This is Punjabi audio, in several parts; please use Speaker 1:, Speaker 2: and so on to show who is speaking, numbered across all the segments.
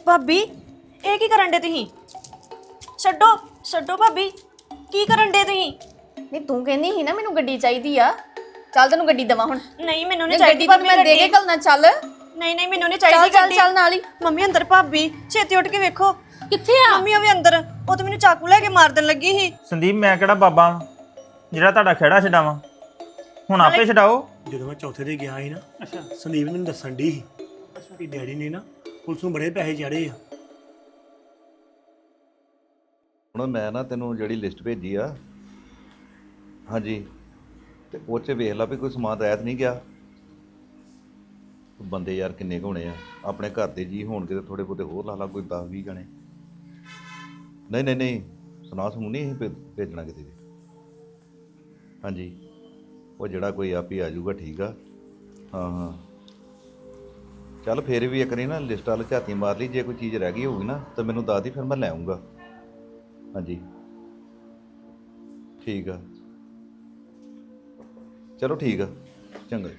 Speaker 1: ਭਾਬੀ ਇਹ ਕੀ ਕਰਨ ਦੇ ਤੁਸੀਂ? ਛੱਡੋ ਛੱਡੋ ਭਾਬੀ, ਕੀ ਕਰਨ ਦੇ ਤੁਸੀਂ?
Speaker 2: ਨਹੀਂ ਤੂੰ ਕਹਿੰਦੀ ਸੀ ਨਾ ਮੈਨੂੰ ਗੱਡੀ ਚਾਹੀਦੀ ਆ। ਚੱਲ ਤੈਨੂੰ ਗੱਡੀ ਦੇਵਾਂ ਹੁਣ।
Speaker 1: ਨਹੀਂ ਮੈਨੂੰ ਨਹੀਂ
Speaker 2: ਗੱਡੀ
Speaker 1: ਚਾਹੀਦੀ
Speaker 2: ਤਾਂ
Speaker 1: ਭਾਬੀ
Speaker 2: ਮੈਂ ਦੇ ਕੇ
Speaker 1: ਗੱਡੀ।
Speaker 2: ਘੱਲਣਾ। ਚੱਲ
Speaker 1: ਨਹੀਂ ਨਹੀਂ ਮੈਨੂੰ ਨਹੀਂ
Speaker 2: ਚੱਲ
Speaker 1: ਚਾਹੀਦੀ
Speaker 2: ਚੱਲ
Speaker 1: ਗੱਡੀ।
Speaker 2: ਚੱਲ ਨਾਲ ਹੀ।
Speaker 1: ਮੰਮੀ ਅੰਦਰ ਭਾਬੀ ਛੇਤੀ ਉੱਠ ਕੇ ਵੇਖੋ
Speaker 2: ਕਿੱਥੇ ਆ?
Speaker 1: ਮੰਮੀ ਉਹ ਵੀ ਅੰਦਰ, ਉਹ ਤਾਂ ਮੈਨੂੰ ਚਾਕੂ ਲੈ ਕੇ ਮਾਰ ਦੇਣ ਲੱਗੀ ਸੀ।
Speaker 3: ਸੰਦੀਪ ਮੈਂ ਕਿਹੜਾ ਬਾਬਾ ਵਾਂ ਜਿਹੜਾ ਤੁਹਾਡਾ ਖਹਿੜਾ ਛਡਾਵਾਂ? ਹੁਣ ਆਪੇ ਛਡਾਓ।
Speaker 4: ਜਦੋਂ ਮੈਂ ਚੌਥੇ ਤੇ ਗਿਆ ਸੀ ਨਾ ਸੰਦੀਪ ਨੇ ਮੈਨੂੰ ਦੱਸਣ ਦੀ ਸੀ ਕਿ ਡੈਡੀ ਨੇ ਨਾ ਪੁਲਿਸ ਨੂੰ ਬੜੇ ਪੈਸੇ ਚਾੜੇ ਆ।
Speaker 5: ਹੁਣ ਮੈਂ ਨਾ ਤੈਨੂੰ ਜਿਹੜੀ ਲਿਸਟ ਭੇਜੀ ਆ, ਹਾਂਜੀ, ਤੇ ਉਹ 'ਚ ਵੇਖ ਲਾ ਵੀ ਕੋਈ ਸਮਾਨ ਰਹਿਤ ਨਹੀਂ ਗਿਆ। ਬੰਦੇ ਯਾਰ ਕਿੰਨੇ ਕੁ ਹੋਣੇ ਆ? ਆਪਣੇ ਘਰ ਦੇ ਜੀ ਹੋਣਗੇ ਤੇ ਥੋੜੇ ਬਹੁਤੇ ਹੋਰ ਲਾ ਲਾ, ਕੋਈ 10-20 ਜਣੇ। ਨਹੀਂ ਨਹੀਂ ਨਹੀਂ, ਸੁਣਾ ਸਮੂਹ ਨਹੀਂ ਅਸੀਂ ਭੇਜਣਾ ਕਿਤੇ ਵੀ। ਹਾਂਜੀ, ਉਹ ਜਿਹੜਾ ਕੋਈ ਆਪ ਹੀ ਆ ਜਾਊਗਾ। ਠੀਕ ਆ, ਹਾਂ ਹਾਂ, ਚੱਲ ਫਿਰ ਵੀ ਇੱਕ ਵਾਰੀ ਨਾ ਲਿਸਟ ਵਾਲ ਝਾਤੀ ਮਾਰ ਲਈ। ਜੇ ਕੋਈ ਚੀਜ਼ ਰਹਿ ਗਈ ਹੋਊਗੀ ਨਾ ਤਾਂ ਮੈਨੂੰ ਦੱਸ ਦੀ, ਫਿਰ ਮੈਂ ਲੈ ਆਊਂਗਾ। ਹਾਂਜੀ ਠੀਕ ਆ, ਚਲੋ ਠੀਕ ਆ, ਚੰਗਾ।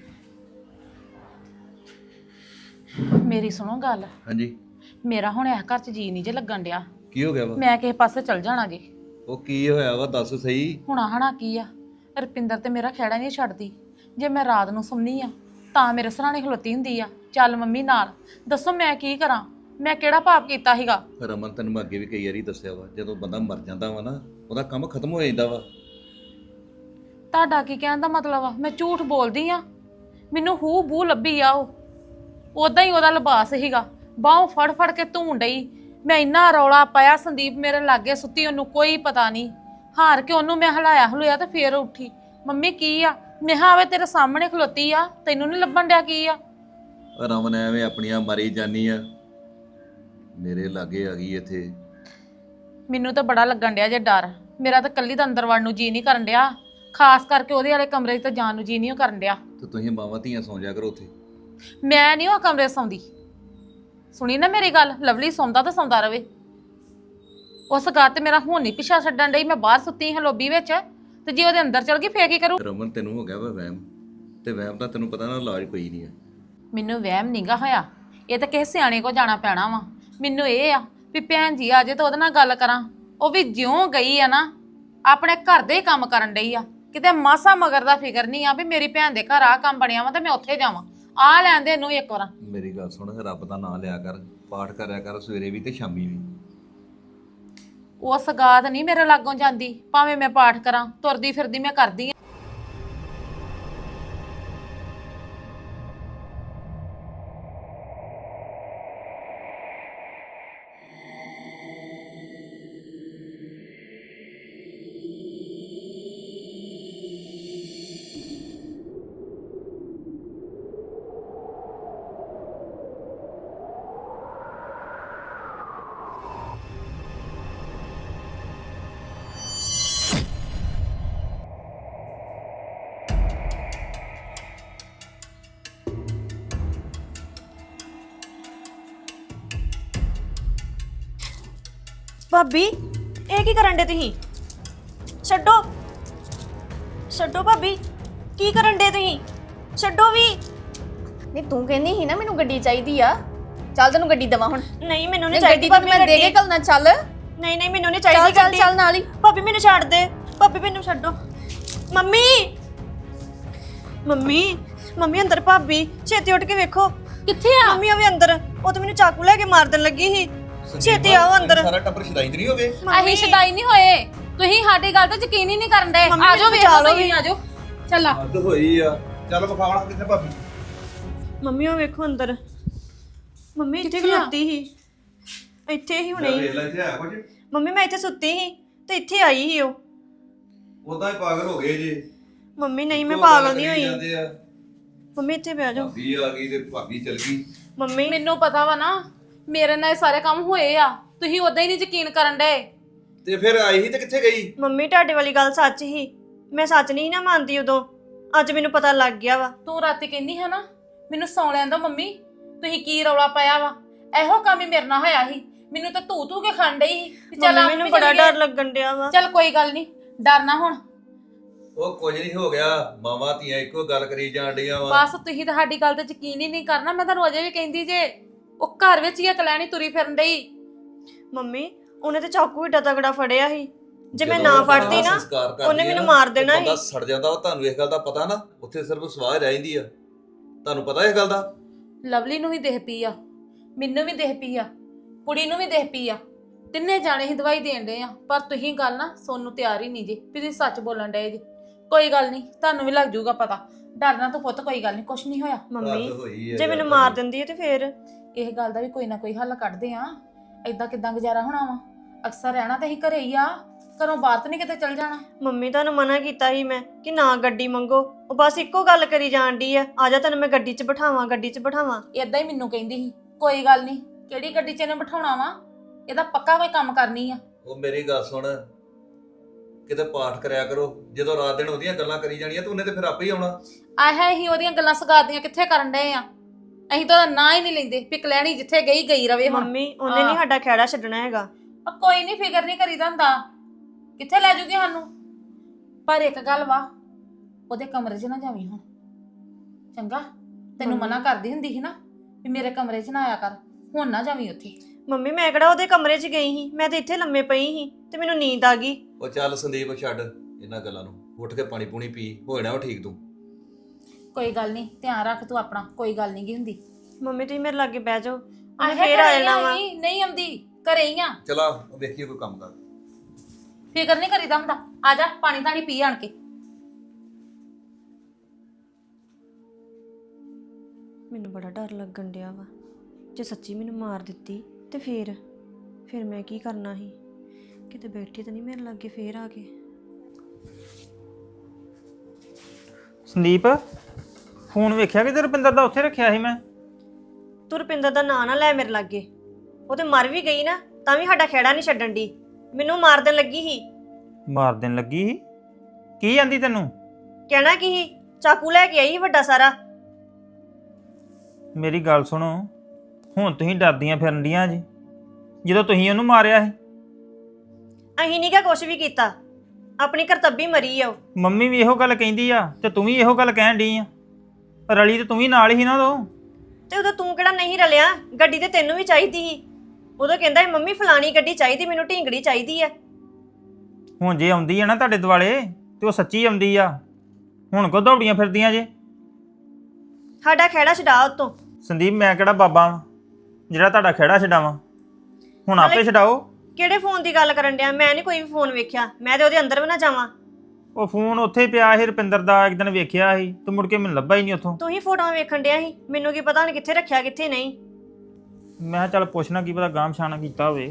Speaker 6: ਮੇਰੀ ਸੁਣੋ ਗੱਲ।
Speaker 5: ਹਾਂਜੀ,
Speaker 6: ਮੇਰਾ ਹੁਣ ਇਸ ਘਰ 'ਚ ਜੀ ਨਹੀਂ ਜੇ ਲੱਗਣ ਡਿਆ।
Speaker 5: ਕੀ ਹੋ ਗਿਆ ਵਾ?
Speaker 6: ਮੈਂ ਕਿਸੇ ਪਾਸੇ ਚਲ ਜਾਣਾ ਜੀ।
Speaker 5: ਉਹ ਕੀ ਹੋਇਆ ਵਾ, ਦੱਸ ਸਹੀ।
Speaker 6: ਹੁਣ ਹਣਾ ਕੀ ਆ, ਰੁਪਿੰਦਰ ਤੇ ਮੇਰਾ ਖਹਿੜਾ ਨਹੀਂ ਛੱਡਦੀ। ਜੇ ਮੈਂ ਰਾਤ ਨੂੰ ਸੁਣਨੀ ਆ ਤਾਂ ਮੇਰੇ ਸਰਾਣੇ ਖਲੋਤੀ ਹੁੰਦੀ ਆ, ਚੱਲ ਮੰਮੀ ਨਾਲ। ਦੱਸੋ ਮੈਂ ਕੀ ਕਰਾਂ? ਮੈਂ ਕਿਹੜਾ ਪਾਪ ਕੀਤਾ ਸੀਗਾ?
Speaker 5: ਰਮਨ ਤੈਨੂੰ ਮੈਂ ਅੱਗੇ ਵੀ ਕਈ ਵਾਰੀ ਦੱਸਿਆ ਵਾ, ਜਦੋਂ ਬੰਦਾ ਮਰ ਜਾਂਦਾ ਵਾ ਨਾ ਉਹਦਾ ਕੰਮ ਖਤਮ ਹੋ ਜਾਂਦਾ ਵਾ।
Speaker 6: ਤੁਹਾਡਾ ਕੀ ਕਹਿਣ ਦਾ ਮਤਲਬ ਆ? ਮੈਂ ਝੂਠ ਬੋਲਦੀ ਆ? ਮੈਨੂੰ ਹੂ ਬੂ ਲੱਭੀ ਆ, ਉਹ ਉਦਾਂ ਹੀ ਉਹਦਾ ਲਿਬਾਸ ਸੀਗਾ। ਬਾਹੋਂ ਫੜ ਫੜ ਕੇ ਧੂਣ ਡਈ। ਮੈਂ ਇੰਨਾ ਰੌਲਾ ਪਾਇਆ, ਸੰਦੀਪ ਮੇਰੇ ਲਾਗੇ ਸੁੱਤੀ, ਉਹਨੂੰ ਕੋਈ ਪਤਾ ਨਹੀਂ। ਹਾਰ ਕੇ ਉਹਨੂੰ ਮੈਂ ਹਲਾਇਆ ਹਲੂਇਆ ਤੇ ਫੇਰ ਉੱਠੀ। ਮੰਮੀ ਕੀ ਆ? ਮੈਂ ਕਿਹਾ ਆਵੇ ਤੇਰੇ ਸਾਹਮਣੇ ਖਲੋਤੀ ਆ, ਤੈਨੂੰ ਨਹੀਂ ਲੱਭਣ ਡਿਆ ਕੀ ਆ?
Speaker 5: ਰਮਨ ਐਵੇਂ ਆਪਣੀਆਂ ਮਾਰੀ ਜਾਨੀ ਆ, ਮੇਰੇ ਲਾਗੇ ਆ ਗਈ ਇੱਥੇ।
Speaker 6: ਮੈਨੂੰ ਤਾਂ ਬੜਾ ਲੱਗਣ ਡਿਆ ਜੇ ਡਰ। ਮੇਰਾ ਤਾਂ ਕੱਲੀ ਦਾ ਅੰਦਰ ਵੜਨ ਨੂੰ ਜੀ ਨਹੀਂ ਕਰਨ ਡਿਆ, ਖਾਸ ਕਰਕੇ ਉਹਦੇ ਵਾਲੇ ਕਮਰੇ 'ਚ ਤਾਂ ਜਾਣ ਨੂੰ ਜੀ ਨਹੀਂ ਕਰਨ ਡਿਆ।
Speaker 5: ਤੇ ਤੁਸੀਂ ਮਾਵਾਂ ਧੀਆਂ ਸੌਂ ਜਾ ਕਰੋ ਉੱਥੇ।
Speaker 6: ਮੈਂ ਨਹੀਂ ਉਹ ਕਮਰੇ 'ਚ ਸੌਂਦੀ। ਸੁਣੀ ਨਾ ਮੇਰੀ ਗੱਲ, ਲਵਲੀ ਸੌਂਦਾ ਤਾਂ ਸੌਂਦਾ ਰਵੇ। ਉਸ ਗੱਲ ਤੇ ਮੇਰਾ ਹੁਣ ਨਹੀਂ ਪਿੱਛਾ ਛੱਡਣ ਡਈ। ਮੈਂ ਬਾਹਰ ਸੁੱਤੀ ਹਾਂ ਲੋਬੀ ਵਿੱਚ, ਤੇ ਜੇ ਉਹਦੇ ਅੰਦਰ ਚਲ ਗਈ ਫੇਰ ਕੀ ਕਰੂ?
Speaker 5: ਰਮਨ ਤੈਨੂੰ ਹੋ ਗਿਆ ਵਾ ਵਹਿਮ, ਤੇ ਵਹਿਮ ਦਾ ਤੈਨੂੰ ਪਤਾ ਨਾ ਇਲਾਜ ਕੋਈ ਨਹੀਂ ਆ।
Speaker 6: ਮੈਨੂੰ ਵਹਿਮ ਨੀਗਾ ਹੋਇਆ, ਇਹ ਤਾਂ ਕਿਸੇ ਸਿਆਣੇ ਕੋ ਜਾਣਾ ਪੈਣਾ ਵਾ। ਮੈਨੂੰ ਇਹ ਆ ਵੀ ਭੈਣ ਜੀ ਆ ਜੇ ਤਾਂ ਉਹਦੇ ਨਾਲ ਗੱਲ ਕਰਾਂ। ਉਹ ਵੀ ਜਿਉਂ ਗਈ ਆ ਨਾ ਆਪਣੇ ਘਰ ਦੇ ਕੰਮ ਕਰਨ ਡਈ ਆ, ਕਿਤੇ ਮਾਸਾ ਮਗਰ ਦਾ ਫਿਕਰ ਨਹੀਂ ਆ ਵੀ ਮੇਰੀ ਭੈਣ ਦੇ ਘਰ ਆ ਕੰਮ ਬਣਿਆ ਵਾ ਤੇ ਮੈਂ ਉੱਥੇ ਜਾਵਾਂ। ਆ ਲੈਂਦੇ ਇਹਨੂੰ ਇੱਕ ਵਾਰ।
Speaker 5: ਮੇਰੀ ਗੱਲ ਸੁਣ, ਰੱਬ ਦਾ ਨਾਮ ਲਿਆ ਕਰ, ਪਾਠ ਕਰਿਆ ਕਰ ਸਵੇਰੇ ਵੀ ਤੇ ਸ਼ਾਮੀ ਵੀ।
Speaker 6: ਉਹ ਸਗਾਤ ਨਹੀਂ ਮੇਰੇ ਲਾਗੋਂ ਜਾਂਦੀ, ਭਾਵੇਂ ਮੈਂ ਪਾਠ ਕਰਾਂ, ਤੁਰਦੀ ਫਿਰਦੀ ਮੈਂ ਕਰਦੀ ਆ।
Speaker 1: ਭਾਬੀ ਇਹ ਕੀ ਕਰਨ ਦੇ ਤੁਸੀਂ? ਛੱਡੋ ਛੱਡੋ ਭਾਬੀ, ਕੀ ਕਰਨ ਦੇ ਤੁਸੀਂ? ਛੱਡੋ ਵੀ।
Speaker 2: ਨਹੀਂ ਤੂੰ ਕਹਿੰਦੀ ਸੀ ਨਾ ਮੈਨੂੰ ਗੱਡੀ ਚਾਹੀਦੀ ਆ। ਚੱਲ ਤੈਨੂੰ ਗੱਡੀ ਦੇਵਾਂ ਹੁਣ।
Speaker 1: ਨਹੀਂ ਮੈਨੂੰ ਨਹੀਂ
Speaker 2: ਗੱਡੀ
Speaker 1: ਚਾਹੀਦੀ
Speaker 2: ਤਾਂ
Speaker 1: ਭਾਬੀ
Speaker 2: ਮੈਂ ਦੇ ਕੇ
Speaker 1: ਗੱਡੀ।
Speaker 2: ਘੱਲਣਾ। ਚੱਲ
Speaker 1: ਨਹੀਂ ਨਹੀਂ ਮੈਨੂੰ ਨਹੀਂ
Speaker 2: ਚੱਲ
Speaker 1: ਚਾਹੀਦੀ
Speaker 2: ਚੱਲ
Speaker 1: ਗੱਡੀ।
Speaker 2: ਚੱਲ ਨਾਲ ਹੀ।
Speaker 1: ਭਾਬੀ ਮੈਨੂੰ ਛੱਡ ਦੇ, ਭਾਬੀ ਮੈਨੂੰ ਛੱਡੋ। ਮੰਮੀ ਮੰਮੀ ਮੰਮੀ ਅੰਦਰ ਭਾਬੀ, ਛੇਤੀ ਉੱਠ ਕੇ ਵੇਖੋ।
Speaker 6: ਕਿੱਥੇ ਆ?
Speaker 1: ਮੰਮੀ ਉਹ ਵੀ ਅੰਦਰ, ਉਹ ਤਾਂ ਮੈਨੂੰ ਚਾਕੂ ਲੈ ਕੇ ਮਾਰ ਦੇਣ ਲੱਗੀ ਸੀ। ਛੇਤੀ ਆਓ ਅੰਦਰ।
Speaker 5: ਸਾਰਾ ਟੱਬਰ ਸ਼ਦਾਈ ਨਹੀਂ ਹੋਵੇ।
Speaker 6: ਅਸੀਂ ਸ਼ਦਾਈ ਨਹੀਂ ਹੋਏ, ਤੁਸੀਂ ਸਾਡੀ ਗੱਲ ਤੇ ਯਕੀਨ ਹੀ ਨਹੀਂ ਕਰਨ ਦੇ।
Speaker 1: ਮੰਮੀ
Speaker 6: ਆਜੋ
Speaker 1: ਮੈਨੂੰ
Speaker 6: ਵੇਖੋ
Speaker 1: ਬਚਾ ਲਓ
Speaker 6: ਤੁਸੀਂ, ਆਜੋ ਚੱਲਾ।
Speaker 5: ਹੱਦ ਹੋਈ ਆ, ਚੱਲ ਵਿਖਾਵਣਾ ਕਿੱਥੇ ਭਾਬੀ।
Speaker 1: ਮੰਮੀ ਉਹ ਵੇਖੋ ਅੰਦਰ। ਮੰਮੀ ਇੱਥੇ ਖਲੋਤੀ ਸੀ, ਇੱਥੇ ਹੀ ਹੁਣੇ ਹੀ।
Speaker 5: ਵੇਖ ਲੈ ਇੱਥੇ ਆ ਕੁਝ।
Speaker 1: ਮੰਮੀ ਮੈਂ ਇੱਥੇ ਸੁੱਤੀ ਸੀ ਤੇ ਇੱਥੇ ਆਈ ਸੀ ਉਹ।
Speaker 5: ਉਦਾਂ ਹੀ ਪਾਗਲ ਹੋ ਗਏ ਜੇ।
Speaker 1: ਮੰਮੀ ਨਹੀਂ ਮੈਂ ਪਾਗਲ ਨਹੀਂ ਹੋਈ।
Speaker 5: ਜਾਂਦੇ ਆ,
Speaker 1: ਮੰਮੀ ਇੱਥੇ ਬਹਿ ਜਾਓ।
Speaker 5: ਭਾਬੀ ਆ ਗਈ ਤੇ ਭਾਬੀ ਚਲ ਗਈ।
Speaker 1: ਮੰਮੀ
Speaker 6: ਮੈਨੂੰ ਪਤਾ ਵਾ ਨਾ ਮੇਰੇ ਨਾਲ ਇਹ ਸਾਰੇ ਕੰਮ ਹੋਏ ਆ, ਤੁਸੀਂ ਉਦਾਂ ਹੀ ਨਹੀਂ ਯਕੀਨ ਕਰਨ ਡਏ।
Speaker 5: ਤੇ ਫਿਰ ਆਈ ਸੀ ਤੇ ਕਿੱਥੇ ਗਈ?
Speaker 1: ਮੰਮੀ ਤੁਹਾਡੇ ਵਾਲੀ ਗੱਲ ਸੱਚ ਹੀ, ਮੈਂ ਸੱਚ ਨਹੀਂ ਨਾ ਮੰਨਦੀ ਉਦੋਂ। ਅੱਜ ਮੈਨੂੰ ਪਤਾ ਲੱਗ ਗਿਆ ਵਾ।
Speaker 6: ਤੂੰ ਰਾਤੀ ਕਹਿੰਦੀ ਹੈ ਨਾ ਮੈਨੂੰ ਸੌਂ ਲੈਣ ਦੋ ਮੰਮੀ, ਤੁਸੀਂ ਕੀ ਰੌਲਾ ਪਾਇਆ ਵਾ? ਇਹੋ ਕੰਮ ਹੀ ਮੇਰੇ ਨਾਲ ਹੋਇਆ ਸੀ। ਮੈਨੂੰ ਤਾਂ ਧੂ ਕੇ ਖੰਡ ਡਈ ਸੀ। ਚੱਲ
Speaker 1: ਮੰਮੀ
Speaker 6: ਆਪ
Speaker 1: ਮੈਨੂੰ
Speaker 6: ਵੀ
Speaker 1: ਬੜਾ
Speaker 6: ਚੱਲੀਏ।
Speaker 1: ਡਰ ਲੱਗਣ ਡਿਆ ਵਾ।
Speaker 6: ਚੱਲ ਕੋਈ ਗੱਲ ਨਹੀਂ, ਡਰਨਾ ਹੁਣ।
Speaker 5: ਉਹ ਕੁਝ ਨਹੀਂ ਹੋ ਗਿਆ, ਮਾਵਾਂ ਧੀਆਂ ਇੱਕੋ ਗੱਲ ਕਰੀ ਜਾਣ ਡੀਆਂ ਵਾ।
Speaker 6: ਬਸ ਤੁਸੀਂ ਤਾਂ ਸਾਡੀ ਗੱਲ ਤੇ ਯਕੀਨ ਹੀ ਨਹੀਂ ਕਰਨਾ। ਮੈਂ ਤੁਹਾਨੂੰ ਅਜੇ ਵੀ ਕਹਿੰਦੀ ਜੇ ਉਹ ਘਰ ਵਿੱਚ ਹੀ ਆ ਕਲੈਣੀ ਤੁਰੀ ਫਿਰਨ ਡਈ।
Speaker 1: ਮੰਮੀ ਉਹਨੇ ਤੇ ਚਾਕੂ ਏਡਾ ਤਗੜਾ ਫੜਿਆ ਸੀ, ਜੇ ਮੈਂ
Speaker 7: ਜਦੋਂ
Speaker 1: ਨਾ
Speaker 7: ਆਪਣਾ
Speaker 1: ਫੜਦੀ ਨਾ
Speaker 7: ਸੰਸਕਾਰ ਕਰਦੀ
Speaker 1: ਉਹਨੇ
Speaker 7: ਆ
Speaker 1: ਮੈਨੂੰ
Speaker 7: ਨਾ,
Speaker 1: ਮਾਰ
Speaker 7: ਤੇ
Speaker 1: ਦੇਣਾ
Speaker 7: ਬੰਦਾ
Speaker 1: ਸੀ।
Speaker 7: ਸੜ ਜਾਂਦਾ ਵਾ। ਤੁਹਾਨੂੰ ਇਸ ਗੱਲ ਦਾ ਪਤਾ ਨਾ, ਉੱਥੇ ਸਿਰਫ ਸਵਾਹ ਰਹਿ ਜਾਂਦੀ ਆ। ਤੁਹਾਨੂੰ ਪਤਾ ਇਸ ਗੱਲ ਦਾ?
Speaker 6: ਲਵਲੀ ਨੂੰ ਵੀ ਦੇਖ ਪਈ ਆ, ਮੈਨੂੰ ਵੀ ਦੇਖ ਪਈ ਆ, ਕੁੜੀ ਨੂੰ ਵੀ ਦੇਖ ਪਈ ਆ। ਤਿੰਨੇ ਜਾਣੇ ਹੀ ਦਵਾਈ ਦੇਣ ਡਏ ਆ, ਪਰ ਤੁਸੀਂ ਗੱਲ ਨਾ ਸੁਣਨ ਨੂੰ ਤਿਆਰ ਹੀ ਨਹੀਂ ਜੀ ਵੀ ਤੁਸੀਂ ਸੱਚ ਬੋਲਣ ਡਏ ਜੀ। ਕੋਈ ਗੱਲ ਨਹੀਂ, ਤੁਹਾਨੂੰ ਵੀ ਲੱਗ ਜਾਊਗਾ ਪਤਾ। ਡਰਨਾ ਤਾਂ ਪੁੱਤ ਕੋਈ ਗੱਲ ਨਹੀਂ, ਕੁਛ ਨਹੀਂ ਹੋਇਆ।
Speaker 1: ਮੰਮੀ
Speaker 7: ਹੱਦ ਹੋਈ ਆ
Speaker 1: ਜੇ ਮੈਨੂੰ
Speaker 7: ਯਾਰ
Speaker 1: ਮਾਰ
Speaker 7: ਤੁਹਾਡੀ।
Speaker 1: ਦਿੰਦੀ ਹੈ ਤੇ ਫੇਰ
Speaker 6: ਇਹ ਗੱਲ ਦਾ ਵੀ ਕੋਈ ਨਾ ਕੋਈ ਹੱਲ ਕੱਢਦੇ ਆ। ਏਦਾਂ ਕਿਦਾਂ ਗੁਜ਼ਾਰਾ ਹੋਣਾ ਵਾ? ਅਕਸਰ ਰਹਿਣਾ ਤਾਂ ਅਸੀਂ ਘਰੇ ਹੀ ਆ, ਘਰੋਂ ਬਾਹਰ ਤਾਂ ਨਹੀਂ ਕਿਤੇ ਚੱਲ ਜਾਣਾ।
Speaker 1: ਮੰਮੀ ਤੁਹਾਨੂੰ ਮਨਾ ਕੀਤਾ ਸੀ ਮੈਂ ਕਿ ਨਾ ਗੱਡੀ ਮੰਗੋ, ਉਹ ਬਸ ਇੱਕੋ ਗੱਲ ਕਰੀ ਜਾਣ ਡਈ ਆ ਜਾ ਤੈਨੂੰ ਮੈਂ ਗੱਡੀ 'ਚ ਬਿਠਾਵਾਂ, ਗੱਡੀ 'ਚ ਬਿਠਾਵਾਂ।
Speaker 6: ਏਦਾਂ ਹੀ ਮੈਨੂੰ ਕਹਿੰਦੀ ਸੀ ਕੋਈ ਗੱਲ ਨਹੀਂ, ਕਿਹੜੀ ਗੱਡੀ 'ਚ ਇਹਨੂੰ ਬਿਠਾਉਣਾ ਵਾ, ਇਹਦਾ ਪੱਕਾ ਕੋਈ ਕੰਮ ਕਰਨੀ ਆ।
Speaker 7: ਉਹ ਮੇਰੀ ਗੱਲ ਸੁਣ, ਕਿਤੇ ਪਾਠ ਕਰਿਆ ਕਰੋ। ਜਦੋਂ ਰਾਤ ਦਿਨ ਉਹਦੀਆਂ ਗੱਲਾਂ ਕਰੀ ਜਾਣੀਆਂ ਤੇ ਉਹਨੇ ਤੇ ਫਿਰ ਆਪੇ ਹੀ ਆਉਣਾ।
Speaker 6: ਆਹ ਹੀ ਉਹਦੀਆਂ ਗੱਲਾਂ ਸਗਾਦੀਆਂ ਕਿੱਥੇ ਕਰਨ ਡਏ ਆ? ਅਸੀਂ ਤਾਂ ਉਹਦਾ ਨਾਂ ਹੀ ਨਹੀਂ ਲੈਂਦੇ। ਪਿਕ ਲੈਣੀ ਜਿੱਥੇ ਗਈ ਗਈ ਰਵੇ ਹੁਣ।
Speaker 1: ਮੰਮੀ ਉਹਨੇ ਨਹੀਂ ਸਾਡਾ ਖਹਿੜਾ ਛੱਡਣਾ ਹੈਗਾ।
Speaker 6: ਕੋਈ ਨਹੀਂ, ਫਿਕਰ ਨਹੀਂ ਕਰੀਦਾ ਹੁੰਦਾ, ਕਿੱਥੇ ਲੈ ਜੂਗੀ ਸਾਨੂੰ। ਪਰ ਇੱਕ ਗੱਲ ਵਾ, ਉਹਦੇ ਕਮਰੇ 'ਚ ਨਾ ਜਾਵੀਂ ਹੁਣ, ਚੰਗਾ? ਤੈਨੂੰ ਮਨਾ ਕਰਦੀ ਹੁੰਦੀ ਸੀ ਨਾ ਵੀ ਮੇਰੇ ਕਮਰੇ 'ਚ ਨਾ ਆਇਆ ਕਰ, ਹੁਣ ਨਾ ਜਾਵੀਂ ਉੱਥੇ।
Speaker 1: ਮੰਮੀ ਮੈਂ ਕਿਹੜਾ ਉਹਦੇ ਕਮਰੇ 'ਚ ਗਈ ਸੀ, ਮੈਂ ਤੇ ਇੱਥੇ ਲੰਮੇ ਪਈ ਸੀ ਤੇ ਮੈਨੂੰ ਨੀਂਦ ਆ ਗਈ।
Speaker 7: ਉਹ ਚੱਲ ਸੰਦੀਪ ਛੱਡ ਇਹਨਾਂ ਗੱਲਾਂ ਨੂੰ, ਉੱਠ ਕੇ ਪਾਣੀ ਪੂਣੀ ਪੀ, ਹੋ ਜਾਣਾ ਉਹ ਠੀਕ ਤੂੰ।
Speaker 6: ਕੋਈ ਗੱਲ ਨਹੀਂ, ਧਿਆਨ ਰੱਖ ਤੂੰ ਆਪਣਾ, ਕੋਈ ਗੱਲ ਨਹੀਂ ਗੀ ਹੁੰਦੀ।
Speaker 1: ਮੰਮੀ ਤੁਸੀਂ ਮੇਰੇ ਲਾਗੇ ਬਹਿ ਜਾਓ, ਉਹਨੇ
Speaker 6: ਆਹੇ
Speaker 1: ਫੇਰ ਆ
Speaker 6: ਘਰੇ
Speaker 1: ਜਾਣਾ ਵਾ।
Speaker 6: ਨਹੀਂ ਆਉਂਦੀ, ਘਰੇ ਹੀ ਆ।
Speaker 7: ਚਲਾ ਵੇਖੀਏ ਕੋਈ ਕੰਮ ਕਰ।
Speaker 6: ਫਿਕਰ ਨਹੀਂ ਕਰੀਦਾ ਹੁੰਦਾ, ਆ ਜਾ ਪਾਣੀ ਧਾਣੀ ਪੀ ਆਣ ਕੇ।
Speaker 1: ਮੈਨੂੰ ਬੜਾ ਡਰ ਲੱਗਣ ਡਿਆ ਵਾ, ਜੇ ਸੱਚੀ ਮੈਨੂੰ ਮਾਰ ਦਿੱਤੀ ਤੇ ਫੇਰ ਮੈਂ ਕੀ ਕਰਨਾ ਸੀ? ਕਿਤੇ ਬੈਠੀ ਤਾਂ ਨਹੀਂ ਮੇਰੇ ਲਾਗੇ ਫੇਰ ਆ ਕੇ।
Speaker 3: ਸੰਦੀਪ ਫੋਨ ਵੇਖਿਆ ਕਿ ਤੇ ਰੁਪਿੰਦਰ ਦਾ ਉੱਥੇ ਰੱਖਿਆ ਸੀ ਮੈਂ।
Speaker 1: ਤੂੰ ਰੁਪਿੰਦਰ ਦਾ ਨਾਂ ਨਾ ਲੈ ਮੇਰੇ ਲਾਗੇ, ਉਹ ਤੇ ਮਰ ਵੀ ਗਈ ਨਾ ਤਾਂ ਵੀ ਸਾਡਾ ਖਹਿੜਾ ਨਹੀਂ ਛੱਡਣ ਦੀ। ਮੈਨੂੰ ਮਾਰ ਦੇਣ ਲੱਗੀ ਸੀ।
Speaker 3: ਮਾਰ ਦੇਣ ਲੱਗੀ ਸੀ? ਕੀ ਜਾਂਦੀ ਤੈਨੂੰ?
Speaker 1: ਕਹਿਣਾ ਕੀ ਸੀ, ਚਾਕੂ ਲੈ ਕੇ ਆਈ ਸੀ ਵੱਡਾ ਸਾਰਾ।
Speaker 3: ਮੇਰੀ ਗੱਲ ਸੁਣੋ, ਹੁਣ ਤੁਸੀਂ ਡਰਦੀਆਂ ਫਿਰਨ ਡੀਆਂ ਜੀ, ਜਦੋਂ ਤੁਸੀਂ ਉਹਨੂੰ ਮਾਰਿਆ ਸੀ।
Speaker 1: ਅਹੀਂ ਨਹੀਂ ਕਿਹਾ ਕੁਛ ਵੀ ਕੀਤਾ, ਆਪਣੀ ਕਰਤੱਬੀ ਮਰੀ ਆ ਉਹ।
Speaker 3: ਮੰਮੀ ਵੀ ਇਹੋ ਗੱਲ ਕਹਿੰਦੀ ਆ ਤੇ ਤੂੰ ਵੀ ਇਹੋ ਗੱਲ ਕਹਿਣ ਡਈ ਆ। ਰਲੀ ਤੇ ਤੂੰ ਵੀ ਨਾਲ ਹੀ ਨਾ ਉਦੋਂ।
Speaker 1: ਤੇ ਉਦੋਂ ਤੂੰ ਕਿਹੜਾ ਨਹੀਂ ਰਲਿਆ? ਗੱਡੀ ਤੇ ਤੈਨੂੰ ਵੀ ਚਾਹੀਦੀ ਸੀ। ਉਦੋਂ ਕਹਿੰਦਾ ਸੀ ਮੰਮੀ ਫਲਾਣੀ ਗੱਡੀ ਚਾਹੀਦੀ, ਮੈਨੂੰ ਢੀਂਗੜੀ ਚਾਹੀਦੀ ਆ।
Speaker 3: ਹੁਣ ਜੇ ਆਉਂਦੀ ਆ ਨਾ ਤੁਹਾਡੇ ਦੁਆਲੇ ਤੇ ਉਹ ਸੱਚੀ ਆਉਂਦੀ ਆ, ਹੁਣ ਕੋ ਦੌੜੀਆਂ ਫਿਰਦੀਆਂ ਜੇ?
Speaker 1: ਸਾਡਾ ਖਹਿੜਾ ਛਡਾ ਉਤੋਂ।
Speaker 3: ਸੰਦੀਪ ਮੈਂ ਕਿਹੜਾ ਬਾਬਾ ਵਾਂ ਜਿਹੜਾ ਤੁਹਾਡਾ ਖਹਿੜਾ ਛਡਾਵਾਂ? ਹੁਣ ਆਪੇ ਛਡਾਓ।
Speaker 1: ਕਿਹੜੇ ਫੋਨ ਦੀ ਗੱਲ ਕਰਨ ਡਿਆ? ਮੈਂ ਨਹੀਂ ਕੋਈ ਵੀ ਫੋਨ ਵੇਖਿਆ, ਮੈਂ ਤੇ ਉਹਦੇ ਅੰਦਰ ਵੀ ਨਾ ਜਾਵਾਂ।
Speaker 3: ਉਹ ਫੋਨ ਉੱਥੇ ਪਿਆ ਸੀ ਰੁਪਿੰਦਰ ਦਾ, ਇੱਕ ਦਿਨ ਵੇਖਿਆ ਸੀ ਤੇ ਮੁੜ ਕੇ ਮੈਨੂੰ ਲੱਭਾ ਹੀ ਨਹੀਂ ਉੱਥੋਂ।
Speaker 1: ਤੂੰ ਹੀ ਫੋਟੋਆਂ ਵੇਖਣ ਡਿਆ ਸੀ, ਮੈਨੂੰ ਕੀ ਪਤਾ ਹੁਣ ਕਿੱਥੇ ਰੱਖਿਆ ਕਿੱਥੇ ਨਹੀਂ।
Speaker 3: ਮੈਂ ਕਿਹਾ ਚੱਲ ਪੁੱਛਣਾ, ਕੀ ਪਤਾ ਗਾਂਹ ਪਛਾਣਾ ਕੀਤਾ ਹੋਵੇ।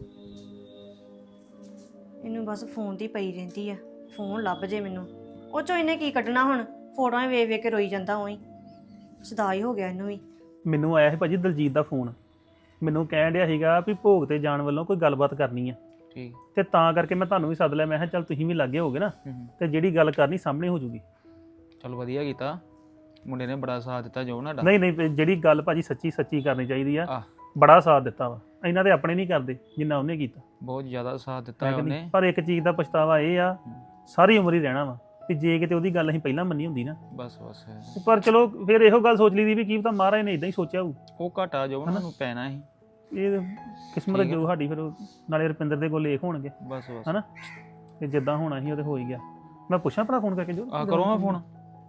Speaker 1: ਇਹਨੂੰ ਬਸ ਫੋਨ ਦੀ ਪਈ ਰਹਿੰਦੀ ਆ, ਫੋਨ ਲੱਭ ਜੇ ਮੈਨੂੰ। ਉਹ ਚੋਂ ਇਹਨੇ ਕੀ ਕੱਢਣਾ ਹੁਣ? ਫੋਟੋਆਂ ਵੇਖ ਵੇਖ ਕੇ ਰੋਈ ਜਾਂਦਾ ਉਹੀ, ਸਦਾਈ ਹੋ ਗਿਆ ਇਹਨੂੰ ਵੀ।
Speaker 8: ਮੈਨੂੰ ਆਇਆ ਸੀ ਭਾਜੀ ਦਲਜੀਤ ਦਾ ਫੋਨ, ਮੈਨੂੰ ਕਹਿਣ ਡਿਆ ਸੀਗਾ ਵੀ ਭੋਗ ਤੇ ਜਾਣ ਵੱਲੋਂ ਕੋਈ ਗੱਲਬਾਤ ਕਰਨੀ ਆ।
Speaker 9: ਠੀਕ।
Speaker 8: ਤੇ ਤਾਂ ਕਰਕੇ ਮੈਂ ਤੁਹਾਨੂੰ ਵੀ ਸੱਦ ਲਿਆ। ਮੈਂ ਕਿਹਾ ਚੱਲ ਤੁਸੀਂ ਵੀ ਲਾਗੇ ਹੋਗੇ ਨਾ, ਤੇ ਜਿਹੜੀ ਗੱਲ ਕਰਨੀ ਸਾਹਮਣੇ ਹੋ ਜੂਗੀ।
Speaker 9: ਚਲ ਵਧੀਆ ਕੀਤਾ, ਮੁੰਡੇ ਨੇ ਬੜਾ ਸਾਥ ਦਿੱਤਾ ਜੋ ਨਾਡਾ।
Speaker 8: ਨਹੀਂ ਨਹੀਂ, ਜਿਹੜੀ ਗੱਲ ਭਾਜੀ ਸੱਚੀ ਸੱਚੀ ਕਰਨੀ ਚਾਹੀਦੀ ਆ।
Speaker 9: ਆਹ।
Speaker 8: ਬੜਾ ਸਾਥ ਦਿੱਤਾ ਵਾ, ਇਹਨਾਂ ਦੇ ਆਪਣੇ ਨਹੀਂ ਕਰਦੇ ਜਿੰਨਾ ਉਹਨੇ ਕੀਤਾ।
Speaker 9: ਬਹੁਤ ਜ਼ਿਆਦਾ ਸਾਥ ਦਿੱਤਾ
Speaker 8: ਹੈ ਕਿ
Speaker 9: ਉਹਨੇ।
Speaker 8: ਨਹੀਂ? ਪਰ ਇੱਕ ਚੀਜ਼ ਦਾ ਪਛਤਾਵਾ ਇਹ ਆ, ਸਾਰੀ ਉਮਰ ਹੀ ਰਹਿਣਾ ਵਾ, ਕਿ ਜੇ ਕਿਤੇ ਉਹਦੀ ਗੱਲ ਅਸੀਂ ਪਹਿਲਾਂ ਮੰਨੀ ਹੁੰਦੀ ਨਾ।
Speaker 9: ਬਸ ਬਸ
Speaker 8: ਪਰ ਚਲੋ ਫਿਰ ਇਹੋ ਗੱਲ ਸੋਚ ਲਈ ਦੀ ਵੀ ਕੀ ਪਤਾ ਮਹਾਰਾਜ ਨੇ ਇਦਾਂ ਹੀ ਸੋਚਿਆ ਹੋਊ।
Speaker 9: ਉਹ ਘਾਟਾ ਜੋ ਉਹਨਾਂ ਨੂੰ ਪੈਣਾ ਸੀ।
Speaker 8: ਇਹ ਕਿਸਮਤ ਜੋ ਸਾਡੀ, ਫਿਰ ਨਾਲੇ ਰੁਪਿੰਦਰ ਦੇ ਕੋਲ ਲੇਖ ਹੋਣਗੇ
Speaker 9: ਬਸ ਬਸ
Speaker 8: ਹਨਾ, ਤੇ ਜਿੱਦਾਂ ਹੋਣਾ ਸੀ ਉਹ ਤੇ ਹੋ ਹੀ ਗਿਆ। ਮੈਂ ਪੁੱਛਾਂ ਭਰਾ ਫੋਨ ਕਰਕੇ ਜੋ
Speaker 9: ਆ ਕਰੋ ਮੈਂ ਫੋਨ।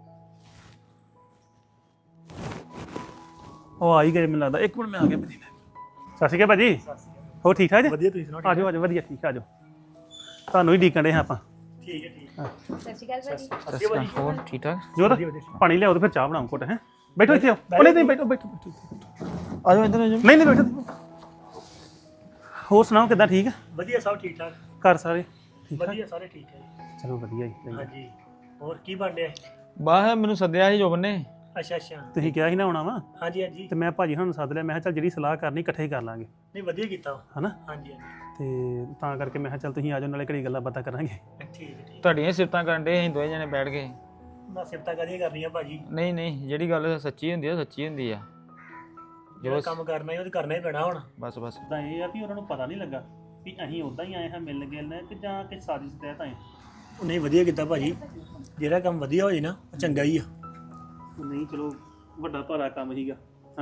Speaker 8: ਉਹ ਆ ਹੀ ਗਏ ਮੈਨੂੰ ਲੱਗਦਾ। ਇੱਕ ਮਿੰਟ ਮੈਂ ਆ ਗਿਆ ਭਾਜੀ। ਸਤਿ ਸ਼੍ਰੀ ਅਕਾਲ ਭਾਜੀ, ਹੋਰ ਠੀਕ ਠਾਕ ਜੀ?
Speaker 4: ਵਧੀਆ, ਤੁਸੀਂ ਸੁਣਾਓ?
Speaker 8: ਆਜੋ ਆਜੋ, ਵਧੀਆ ਠੀਕ, ਆਜੋ। ਤੁਹਾਨੂੰ ਹੀ ਡੀਕਣ ਦੇ ਹਾਂ ਆਪਾਂ।
Speaker 4: ਠੀਕ ਹੈ, ਠੀਕ ਹੈ।
Speaker 2: ਸਤਿ ਸ਼੍ਰੀ ਅਕਾਲ ਭਾਜੀ।
Speaker 9: ਸਤਿ ਸ਼੍ਰੀ ਅਕਾਲ, ਹੋਰ ਠੀਕ ਠਾਕ?
Speaker 8: ਜੋਤ ਪਾਣੀ ਲਿਆਓ ਤੇ ਫਿਰ ਚਾਹ ਬਣਾਓ ਘੁੱਟ। ਹੈ ਬੈਠੋ ਇੱਥੇ ਆਓ। ਨਹੀਂ ਨਹੀਂ, ਬੈਠੋ ਬੈਠੋ ਬੈਠੋ।
Speaker 9: ਆਜੋ ਇੱਧਰ ਆਜੋ।
Speaker 8: ਨਹੀਂ ਨਹੀਂ, ਬੈਠੋ। ਹੋਰ ਸੁਣਾਓ ਕਿੱਦਾਂ? ਠੀਕ ਆ?
Speaker 4: ਵਧੀਆ, ਸਭ ਠੀਕ ਠਾਕ।
Speaker 8: ਘਰ ਸਾਰੇ ਠੀਕ ਠਾਕ?
Speaker 4: ਵਧੀਆ, ਸਾਰੇ ਠੀਕ ਹੈ ਜੀ।
Speaker 8: ਚਲੋ ਵਧੀਆ ਜੀ।
Speaker 4: ਹਾਂਜੀ, ਹੋਰ ਕੀ ਬਣ ਰਿਹਾ?
Speaker 9: ਬਾਹਰ ਮੈਨੂੰ ਸੱਦਿਆ ਸੀ ਜੋਬਨ ਨੇ।
Speaker 4: ਅੱਛਾ ਅੱਛਾ।
Speaker 8: ਤੁਸੀਂ ਕਿਹਾ ਸੀ ਨਾ ਆਉਣਾ ਵਾ,
Speaker 4: ਹਾਂਜੀ ਹਾਂਜੀ।
Speaker 8: ਤੇ ਮੈਂ ਭਾਜੀ ਹੁਣ ਸੱਦ ਲਿਆ। ਮੈਂ ਕਿਹਾ ਚੱਲ ਜਿਹੜੀ ਸਲਾਹ ਕਰਨੀ ਇਕੱਠੇ ਹੀ ਕਰ ਲਾਂਗੇ,
Speaker 4: ਨਹੀਂ, ਵਧੀਆ ਕੀਤਾ।
Speaker 8: ਹਨਾ?
Speaker 4: ਹਾਂਜੀ ਹਾਂਜੀ।
Speaker 8: ਤੇ ਤਾਂ ਕਰਕੇ ਮੈਂ ਕਿਹਾ ਚੱਲ ਤੁਸੀਂ ਆ ਜਾਓ, ਨਾਲੇ ਘੜੀ ਗੱਲਾਂ ਬਾਤਾਂ ਕਰਾਂਗੇ।
Speaker 4: ਠੀਕ ਹੈ, ਠੀਕ।
Speaker 9: ਤੁਹਾਡੀਆਂ ਸਿਫਤਾਂ ਕਰਨ ਦੇ ਅਸੀਂ ਦੋਵੇਂ ਜਣੇ ਬੈਠ ਕੇ।
Speaker 4: ਮੈਂ ਸਿਫਤਾਂ ਕਦੇ ਕਰਨੀਆਂ ਭਾਜੀ,
Speaker 9: ਨਹੀਂ ਨਹੀਂ, ਜਿਹੜੀ ਗੱਲ ਸੱਚੀ ਹੁੰਦੀ ਆ ਸੱਚੀ ਹੁੰਦੀ ਆ।
Speaker 4: ਜਿਹੜਾ ਕੰਮ ਕਰਨਾ ਹੀ ਉਹ ਤੇ ਕਰਨਾ ਹੀ ਪੈਣਾ ਹੁਣ।
Speaker 9: ਬਸ ਬਸ।
Speaker 8: ਤਾਂ ਇਹ ਆ ਵੀ ਉਹਨਾਂ ਨੂੰ ਪਤਾ ਨਹੀਂ ਲੱਗਾ ਵੀ ਅਸੀਂ ਉਦਾਂ ਹੀ ਆਏ ਹਾਂ ਮਿਲਣ ਗਿਲਣ, ਕਿ ਜਾਂ ਕਿ ਸਾਜ਼ਿਸ਼ ਤਹਿਤ ਆਏ।
Speaker 4: ਉਹ ਨਹੀਂ, ਵਧੀਆ ਕੀਤਾ ਭਾਜੀ। ਜਿਹੜਾ ਕੰਮ ਵਧੀਆ ਹੋ ਜੇ ਨਾ ਉਹ ਚੰਗਾ ਹੀ ਆ।
Speaker 8: ਨਹੀਂ ਚਲੋ, ਵੱਡਾ ਭਾਰਾ ਕੰਮ ਸੀਗਾ ਹਨਾ।